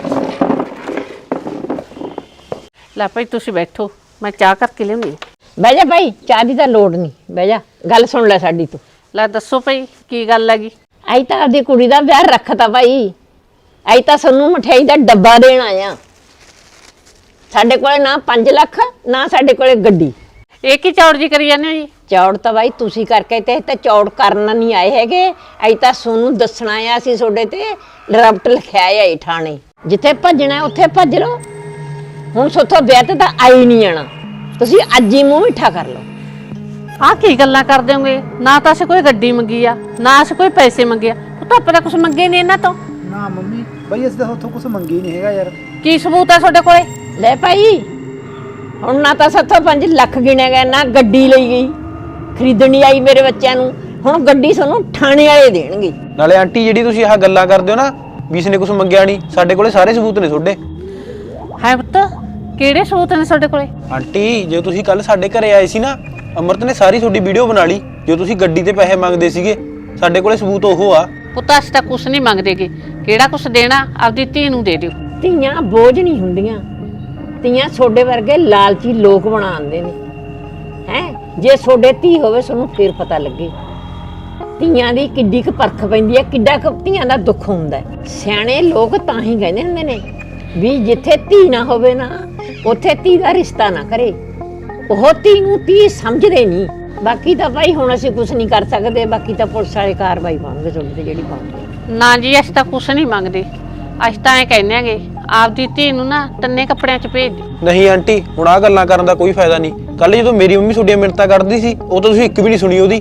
[SPEAKER 2] ਲੈ ਭਾਈ ਤੁਸੀਂ ਬੈਠੋ, ਮੈਂ ਚਾਹ ਕਰਕੇ ਲਿਆਉਂਦੀ ਹਾਂ।
[SPEAKER 1] ਬਹਿ ਜਾ ਭਾਈ, ਚਾਹ ਦੀ ਤਾਂ ਲੋੜ ਨਹੀਂ, ਬਹਿ ਜਾ, ਗੱਲ ਸੁਣ ਲੈ ਸਾਡੀ ਤੂੰ।
[SPEAKER 2] ਲੈ ਦੱਸੋ ਭਾਈ ਕੀ ਗੱਲ ਹੈਗੀ?
[SPEAKER 1] ਅਈ ਤਾਂ ਆਪਦੀ ਕੁੜੀ ਦਾ ਵਿਆਹ ਰੱਖਤਾ ਭਾਈ, ਅਈ ਤਾਂ ਸਾਨੂੰ ਮਠਿਆਈ ਦਾ ਡੱਬਾ ਦੇਣ ਆਇਆ। ਸਾਡੇ ਕੋਲੇ ਨਾ ਪੰਜ ਲੱਖ ਨਾ ਸਾਡੇ ਕੋਲੇ ਗੱਡੀ।
[SPEAKER 2] ਇਹ ਕੀ ਚੌੜ ਜੀ ਕਰੀ ਜਾਂਦੇ ਹੋ ਜੀ?
[SPEAKER 1] ਚੌੜ ਤਾਂ ਬਾਈ ਤੁਸੀਂ ਕਰਕੇ ਤੇ ਤਾਂ ਚੌੜ ਕਰਨ ਨਹੀਂ ਆਏ ਹੈਗੇ, ਅਈ ਤਾਂ ਤੁਹਾਨੂੰ ਦੱਸਣਾ ਆ ਅਸੀਂ ਤੁਹਾਡੇ ਤੇ ਰਪਟ ਲਿਖਿਆ ਆ ਠਾਣੇ। ਜਿੱਥੇ ਭੱਜਣਾ ਉੱਥੇ ਭੱਜ ਲਓ, ਹੁਣ ਸੋਥੋਂ ਵਿਆਹ ਤੇ ਤਾਂ ਆਈ ਨਹੀਂ ਜਾਣਾ, ਤੁਸੀਂ ਅੱਜ ਹੀ ਮੂੰਹ ਮਿੱਠਾ ਕਰ ਲਓ।
[SPEAKER 2] ਆਹ ਕੀ ਗੱਲਾਂ ਕਰਦੇ ਹੋਗੇ? ਨਾ ਤਾਂ ਅਸੀਂ ਕੋਈ ਗੱਡੀ ਮੰਗੀ ਆ, ਨਾ ਅਸੀਂ ਕੋਈ ਪੈਸੇ ਮੰਗੇ ਆ, ਉਹ ਤਾਂ ਆਪਾਂ ਤਾਂ ਕੁਝ ਮੰਗੇ ਨਹੀਂ ਇਹਨਾਂ ਤੋਂ।
[SPEAKER 4] ਨਾ ਮੰਮੀ ਬਈ ਅਸੀਂ ਤਾਂ ਉੱਥੋਂ ਕੁਝ ਮੰਗੀ ਨਹੀਂ ਹੈਗਾ ਯਾਰ।
[SPEAKER 2] ਕੀ ਸਬੂਤ ਹੈ ਤੁਹਾਡੇ ਕੋਲੇ?
[SPEAKER 1] ਲੈ ਭਾਈ, ਹੁਣ ਨਾ ਤਾਂ ਸਾਥੋਂ ਪੰਜ ਲੱਖ ਗਿਣਿਆ ਗਿਆ, ਨਾ ਗੱਡੀ ਲਈ ਗਈ, ਖਰੀਦਣੀ ਆਈ ਮੇਰੇ ਬੱਚਿਆਂ ਨੂੰ, ਹੁਣ ਗੱਡੀ ਸਾਨੂੰ ਥਾਣੇ ਵਾਲੇ ਦੇਣਗੇ।
[SPEAKER 7] ਨਾਲੇ ਆਂਟੀ ਜਿਹੜੀ ਤੁਸੀਂ ਆਹ ਗੱਲਾਂ ਕਰਦੇ ਹੋ ਨਾ ਵੀ ਇਸਨੇ ਕੁਝ ਮੰਗਿਆ ਨਹੀਂ, ਸਾਡੇ ਕੋਲੇ ਸਾਰੇ ਸਬੂਤ ਨੇ ਤੁਹਾਡੇ।
[SPEAKER 2] ਹੈ ਪੁੱਤ, ਕਿਹੜੇ ਸਬੂਤ ਨੇ ਤੁਹਾਡੇ ਕੋਲੇ?
[SPEAKER 7] ਆਂਟੀ ਜੇ ਤੁਸੀਂ ਕੱਲ ਸਾਡੇ ਘਰੇ ਆਏ ਸੀ ਨਾ, ਅਮਰਤ ਨੇ ਸਾਰੀ ਤੁਹਾਡੀ ਵੀਡੀਓ ਬਣਾ ਲਈ, ਜੋ ਤੁਸੀਂ ਗੱਡੀ ਤੇ ਪੈਸੇ ਮੰਗਦੇ ਸੀਗੇ, ਸਾਡੇ ਕੋਲੇ ਸਬੂਤ ਉਹ ਆ।
[SPEAKER 2] ਪੁੱਤ ਅਸੀਂ ਤਾਂ ਕੁਛ ਨਹੀਂ ਮੰਗਦੇਗੇ, ਕਿਹੜਾ ਕੁਛ ਦੇਣਾ ਆਪਦੀ ਧੀ ਨੂੰ ਦੇ ਦਿਓ।
[SPEAKER 1] ਧੀਆਂ ਬੋਝ ਨਹੀਂ ਹੁੰਦੀਆਂ, ਧੀਆਂ ਛੋਡੇ ਵਰਗੇ ਲਾਲਚੀ ਲੋਕ ਬਣਾਉਂਦੇ ਨੇ ਹੈ। ਜੇ ਛੋਡੇ ਧੀ ਹੋਵੇ ਤੁਹਾਨੂੰ ਫੇਰ ਪਤਾ ਲੱਗੇ ਧੀਆਂ ਦੀ ਕਿੱਡੀ ਕੁ ਪਰਖ ਪੈਂਦੀ ਹੈ, ਕਿੱਡਾ ਕੁ ਧੀਆਂ ਦਾ ਦੁੱਖ ਹੁੰਦਾ ਹੈ। ਸਿਆਣੇ ਲੋਕ ਤਾਂ ਹੀ ਕਹਿੰਦੇ ਹੁੰਦੇ ਨੇ ਵੀ ਜਿੱਥੇ ਧੀ ਨਾ ਹੋਵੇ ਨਾ ਉੱਥੇ ਧੀ ਦਾ ਰਿਸ਼ਤਾ ਨਾ ਕਰੇ। ਉਹ ਧੀ ਨੂੰ ਧੀ ਸਮਝਦੇ ਨਹੀਂ। ਬਾਕੀ ਤਾਂ ਭਾਈ ਹੁਣ ਅਸੀਂ ਕੁਝ ਨਹੀਂ ਕਰ ਸਕਦੇ, ਬਾਕੀ ਤਾਂ ਪੁਲਿਸ ਵਾਲੇ ਕਾਰਵਾਈ ਪਾਉਣਗੇ ਤੁਹਾਡੇ ਤੇ ਜਿਹੜੀ ਪਾਉਣਗੇ।
[SPEAKER 2] ਨਾ ਜੀ ਅਸੀਂ ਤਾਂ ਕੁਛ ਨਹੀਂ ਮੰਗਦੇ, ਅਸੀਂ ਤਾਂ ਐਂ ਕਹਿੰਦੇ ਆਂਗੇ ਆਪਦੀ ਧੀ ਨੂੰ ਨਾ ਤੰਨੇ ਕੱਪੜਿਆਂ 'ਚ ਭੇਜ ਦਿਓ।
[SPEAKER 7] ਨਹੀਂ ਆਂਟੀ, ਹੁਣ ਆਹ ਗੱਲਾਂ ਕਰਨ ਦਾ ਕੋਈ ਫਾਇਦਾ ਨਹੀਂ। ਕੱਲ ਜਦੋਂ ਮੇਰੀ ਮੰਮੀ ਤੁਹਾਡੀਆਂ ਮਿੰਨਤਾਂ ਕਰਦੀ ਸੀ, ਉਹ ਤਾਂ ਤੁਸੀਂ ਇੱਕ ਵੀ ਨਹੀਂ ਸੁਣੀ ਉਹਦੀ।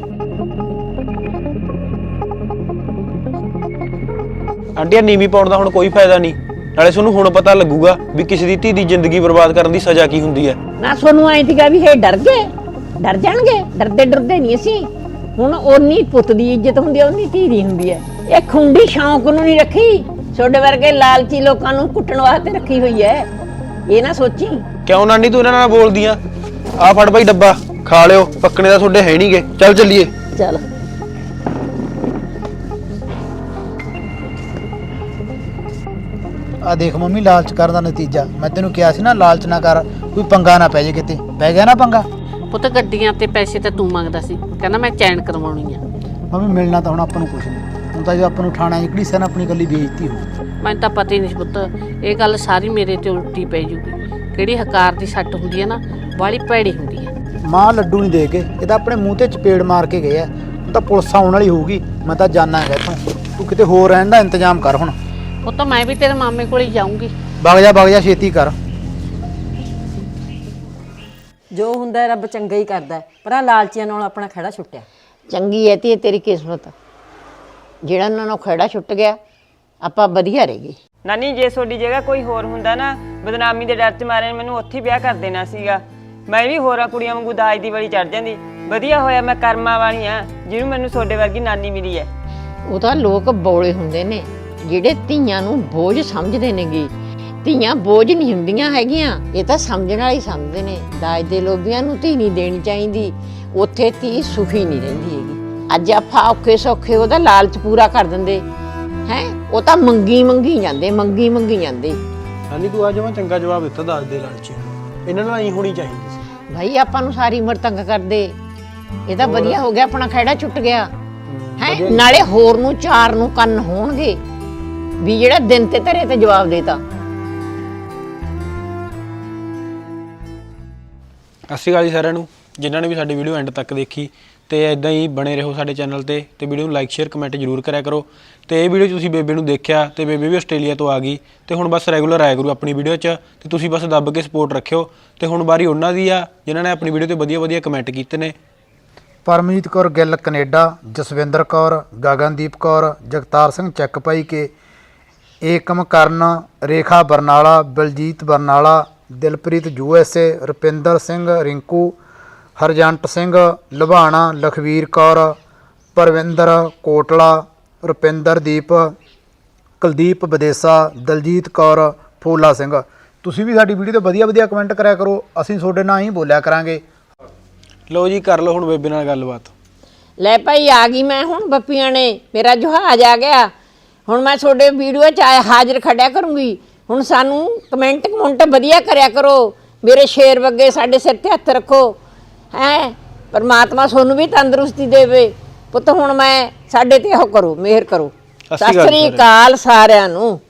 [SPEAKER 7] ਆਂਟੀ ਨੀਵੀਂ ਪਾਉਣ ਦਾ ਹੁਣ ਕੋਈ ਫਾਇਦਾ ਨਹੀਂ, ਨਾਲੇ ਤੁਹਾਨੂੰ ਹੁਣ ਪਤਾ ਲੱਗੂਗਾ ਵੀ ਕਿਸੇ ਦੀ ਧੀ ਦੀ ਜ਼ਿੰਦਗੀ ਬਰਬਾਦ ਕਰਨ ਦੀ ਸਜ਼ਾ ਕੀ ਹੁੰਦੀ ਹੈ।
[SPEAKER 1] ਨਾ ਤੁਹਾਨੂੰ ਐਂ ਸੀਗਾ ਵੀ ਇਹ ਡਰ ਗਏ, ਡਰ ਜਾਣਗੇ, ਡਰਦੇ ਡਰਦੇ ਨਹੀਂ ਅਸੀਂ। ਹੁਣ ਓਨੀ ਪੁੱਤ ਦੀ ਇੱਜ਼ਤ ਹੁੰਦੀ ਹੈ, ਓਨੀ ਧੀ ਦੀ ਹੁੰਦੀ ਹੈ। ਇਹ ਖੁੰਡੀ ਸ਼ੌਂਕ ਨੂੰ ਨਹੀਂ ਰੱਖੀ, ਛੋਡੇ ਵਰਗੇ ਲਾਲਚੀ ਲੋਕਾਂ ਨੂੰ ਕੁੱਟਣ ਵਾਸਤੇ ਰੱਖੀ ਹੋਈ ਹੈ। ਇਹ ਨਾ ਸੋਚੀ।
[SPEAKER 7] ਕਿਉਂ ਨਾਨੀ ਤੂੰ ਇਹਨਾਂ ਨਾਲ ਬੋਲਦੀ ਆ? ਆ ਫੜ ਭਾਈ ਡੱਬਾ, ਖਾ ਲਿਓ, ਪੱਕਣੇ ਦਾ ਤੁਹਾਡੇ ਹੈ ਨਹੀਂਗੇ। ਚੱਲ ਚੱਲੀਏ।
[SPEAKER 1] ਚੱਲ
[SPEAKER 4] ਆ ਦੇਖ ਮੰਮੀ, ਲਾਲਚ ਕਰਨ ਦਾ ਨਤੀਜਾ। ਮੈਂ ਤੈਨੂੰ ਕਿਹਾ ਸੀ ਨਾ ਲਾਲਚ ਨਾ ਕਰ, ਕੋਈ ਪੰਗਾ ਨਾ ਪੈ ਜੇ, ਕਿਤੇ ਪੈ ਗਿਆ ਨਾ ਪੰਗਾ।
[SPEAKER 2] ਪੁੱਤ ਗੱਡੀਆਂ ਤੇ ਪੈਸੇ ਤਾਂ ਤੂੰ ਮੰਗਦਾ ਸੀ, ਕਹਿੰਦਾ ਮੈਂ ਚੈਨ ਕਰਵਾਉਣੀ ਆ।
[SPEAKER 4] ਮੰਮੀ ਮਿਲਣਾ ਤਾਂ ਹੁਣ ਆਪਾਂ ਨੂੰ ਕੁਛ ਨਹੀਂ, ਹੁਣ ਤਾਂ ਜੋ ਆਪਾਂ ਨੂੰ ਠਾਣਾ ਇਕੜੀ ਸਨ ਆਪਣੀ ਗੱਲੀ ਬੇਇੱਜ਼ਤੀ ਹੋ।
[SPEAKER 2] ਮੈਨੂੰ ਤਾਂ ਪਤਾ ਹੀ ਨਹੀਂ ਸੀ ਪੁੱਤ, ਇਹ ਗੱਲ ਸਾਰੀ ਮੇਰੇ ਤੇ ਉਲਟੀ ਪੈ ਜੂਗੀ। ਕਿਹੜੀ ਹਕਾਰ ਦੀ ਸੱਟ ਹੁੰਦੀ ਹੈ ਨਾ, ਬਾਹਲੀ ਭੈੜੀ ਹੁੰਦੀ ਹੈ।
[SPEAKER 4] ਮਾਂ ਲੱਡੂ ਨਹੀਂ ਦੇ ਕੇ, ਇਹ ਤਾਂ ਆਪਣੇ ਮੂੰਹ ਤੇ ਚਪੇੜ ਮਾਰ ਕੇ ਗਏ ਆ। ਹੁਣ ਤਾਂ ਪੁਲਿਸ ਆਉਣ ਵਾਲੀ ਹੋਊਗੀ, ਮੈਂ ਤਾਂ ਜਾਣਾ ਹੈਗਾ ਇੱਥੋਂ। ਤੂੰ ਕਿਤੇ ਹੋਰ ਰਹਿਣ ਦਾ ਇੰਤਜ਼ਾਮ ਕਰ ਹੁਣ।
[SPEAKER 2] ਉਹ ਤਾਂ ਮੈਂ ਵੀ ਤੇਰੇ ਮਾਮੇ ਕੋਲ ਹੀ ਜਾਊਂਗੀ।
[SPEAKER 4] ਵਗ ਜਾ ਵਗ ਜਾ, ਛੇਤੀ ਕਰ।
[SPEAKER 3] ਜੋ ਹੁੰਦਾ ਹੈ ਰੱਬ ਚੰਗਾ ਹੀ ਕਰਦਾ ਹੈ, ਪਰ ਆ ਲਾਲਚੀਆਂ ਨਾਲ ਆਪਣਾ ਖੜਾ ਛੁੱਟਿਆ।
[SPEAKER 1] ਚੰਗੀ ਹੈ ਤੇ ਤੇਰੀ ਕਿਸਮਤ, ਜਿਹੜਾ ਉਹਨਾਂ ਨੂੰ ਖੜਾ ਛੁੱਟ ਗਿਆ, ਆਪਾਂ ਵਧੀਆ ਰਹਿ ਗਏ।
[SPEAKER 6] ਨਾਨੀ ਜੇ ਤੁਹਾਡੀ ਜਗ੍ਹਾ ਕੋਈ ਹੋਰ ਹੁੰਦਾ ਨਾ, ਬਦਨਾਮੀ ਦੇ ਡਰ 'ਚ ਮਾਰੇ ਮੈਨੂੰ ਉੱਥੇ ਵਿਆਹ ਕਰ ਦੇਣਾ ਸੀਗਾ। ਮੈਂ ਵੀ ਹੋਰਾਂ ਕੁੜੀਆਂ ਵਾਂਗੂ ਦਾਜ ਦੀ ਵਲੀ ਚੜ ਜਾਂਦੀ। ਵਧੀਆ ਹੋਇਆ ਮੈਂ ਕਰਮਾਂ ਵਾਲੀ ਆ ਜਿਹਨੂੰ ਮੈਨੂੰ ਤੁਹਾਡੇ ਵਰਗੀ ਨਾਨੀ ਮਿਲੀ ਹੈ।
[SPEAKER 1] ਉਹ ਤਾਂ ਲੋਕ ਬੋਲੇ ਹੁੰਦੇ ਨੇ ਜਿਹੜੇ ਧੀਆਂ ਨੂੰ ਬੋਝ ਸਮਝਦੇ ਨੇਗੇ। ਧੀਆਂ ਬੋਝ ਨਹੀਂ ਹੁੰਦੀਆਂ ਹੈਗੀਆਂ, ਇਹ ਤਾਂ ਸਮਝਣ ਵਾਲੇ ਸਮਝਦੇ ਨੇ। ਦਾਜ ਦੇ ਲੋਭੀਆਂ ਨੂੰ ਧੀ ਨਹੀਂ ਦੇਣੀ ਚਾਹੀਦੀ, ਉੱਥੇ ਧੀ ਸੁਖੀ ਨਹੀਂ ਰਹਿੰਦੀ ਹੈਗੀ। ਅੱਜ ਆਪਾਂ ਔਖੇ ਸੌਖੇ ਉਹਦਾ ਲਾਲਚ ਪੂਰਾ ਕਰ ਦਿੰਦੇ ਹੈ, ਉਹ ਤਾਂ ਮੰਗੀ ਮੰਗੀ ਜਾਂਦੇ, ਮੰਗੀ ਮੰਗੀ ਜਾਂਦੇ।
[SPEAKER 7] ਨਾਨੀ ਤੂੰ ਅੱਜ ਮੈਂ ਚੰਗਾ ਜਵਾਬ ਦਿੱਤਾ ਦੱਸ ਦੇ ਲਾਲਚੀ ਨੂੰ, ਇਹਨਾਂ ਨਾਲ ਹੀ ਹੋਣੀ ਚਾਹੀਦੀ ਸੀ।
[SPEAKER 1] ਭਾਈ ਆਪਾਂ ਨੂੰ ਸਾਰੀ ਉਮਰ ਤੰਗ ਕਰਦੇ, ਇਹ ਤਾਂ ਵਧੀਆ ਹੋ ਗਿਆ, ਆਪਣਾ ਖਹਿੜਾ ਛੁੱਟ ਗਿਆ। ਹੈ ਨਾਲੇ ਹੋਰ ਨੂੰ ਚਾਰ ਨੂੰ ਕੰਨ ਹੋਣਗੇ ਵੀ ਜਿਹੜਾ ਦਿਨ ਤੇ ਧਰੇ ਤੇ ਜਵਾਬ ਦੇਤਾ।
[SPEAKER 7] ਸਤਿ ਸ਼੍ਰੀ ਅਕਾਲ ਜੀ ਸਾਰਿਆਂ ਨੂੰ ਜਿਨ੍ਹਾਂ ਨੇ ਵੀ ਸਾਡੀ ਵੀਡੀਓ ਐਂਡ ਤੱਕ ਦੇਖੀ ਤੇ ਇਦਾਂ ਹੀ ਬਣੇ ਰਹੋ ਸਾਡੇ ਚੈਨਲ ਤੇ ਤੇ ਵੀਡੀਓ ਨੂੰ ਲਾਈਕ ਸ਼ੇਅਰ ਕਮੈਂਟ ਜ਼ਰੂਰ ਕਰਿਆ ਕਰੋ। ਤੇ ਇਹ ਵੀਡੀਓ ਤੁਸੀਂ ਬੇਬੇ ਨੂੰ ਦੇਖਿਆ ਤੇ ਬੇਬੇ ਵੀ ਆਸਟ੍ਰੇਲੀਆ ਤੋਂ ਆ ਗਈ ਤੇ ਹੁਣ ਬਸ ਰੈਗੂਲਰ ਆਇਆ ਕਰੂ ਆਪਣੀ ਵੀਡੀਓ 'ਚ ਤੇ ਤੁਸੀਂ ਬਸ ਦੱਬ ਕੇ ਸਪੋਰਟ ਰੱਖਿਓ। ਤੇ ਹੁਣ ਵਾਰੀ ਉਹਨਾਂ ਦੀ ਆ ਜਿਨ੍ਹਾਂ ਨੇ ਆਪਣੀ ਵੀਡੀਓ ਤੇ ਵਧੀਆ ਵਧੀਆ ਕਮੈਂਟ ਕੀਤੇ ਨੇ।
[SPEAKER 4] Paramjit Kaur Gill Canada, Jaswinder Kaur, Gagandeep Kaur, Jagtar Singh Chak Bhai Ke, Ekam Karan, Rekha Barnala, Baljit Barnala, Dilpreet U S A, Rupinder Singh Rinku, Harjant Singh Lubana, Lakhvir Kaur, Parvinder Kotla, Rupinderdeep, Kuldeep Videsa, Daljit Kaur, Phula Singh. ਤੁਸੀਂ ਵੀ ਸਾਡੀ ਵੀਡੀਓ ਤੇ ਵਧੀਆ ਵਧੀਆ ਕਮੈਂਟ ਕਰਿਆ ਕਰੋ, ਅਸੀਂ ਤੁਹਾਡੇ ਨਾਲ ਹੀ ਬੋਲਿਆ ਕਰਾਂਗੇ।
[SPEAKER 7] ਲਓ ਜੀ ਕਰ ਲਓ ਹੁਣ ਬੇਬੇ ਨਾਲ ਗੱਲਬਾਤ।
[SPEAKER 1] ਲੈ ਭਾਈ ਆ ਗਈ ਮੈਂ ਹੁਣ ਬੱਪੀਆਂ ਨੇ ਮੇਰਾ ਜਹਾਜ਼ ਆ ਗਿਆ। ਹੁਣ ਮੈਂ ਤੁਹਾਡੇ ਵੀਡੀਓ 'ਚ ਆਇਆ ਹਾਜ਼ਰ ਖੜਿਆ ਕਰੂੰਗੀ। ਹੁਣ ਸਾਨੂੰ ਕਮੈਂਟ ਕਮੈਂਟ ਵਧੀਆ ਕਰਿਆ ਕਰੋ, ਮੇਰੇ ਸ਼ੇਰ ਵਰਗੇ ਸਾਡੇ ਸਿਰ ਤੇ ਹੱਥ ਰੱਖੋ ਹੈ। ਪਰਮਾਤਮਾ ਤੁਹਾਨੂੰ ਵੀ ਤੰਦਰੁਸਤੀ ਦੇਵੇ ਪੁੱਤ। ਹੁਣ ਮੈਂ ਸਾਡੇ ਤੇ ਉਹ ਕਰੋ, ਮਿਹਰ ਕਰੋ। ਸਤਿ ਸ੍ਰੀ ਅਕਾਲ ਸਾਰਿਆਂ ਨੂੰ।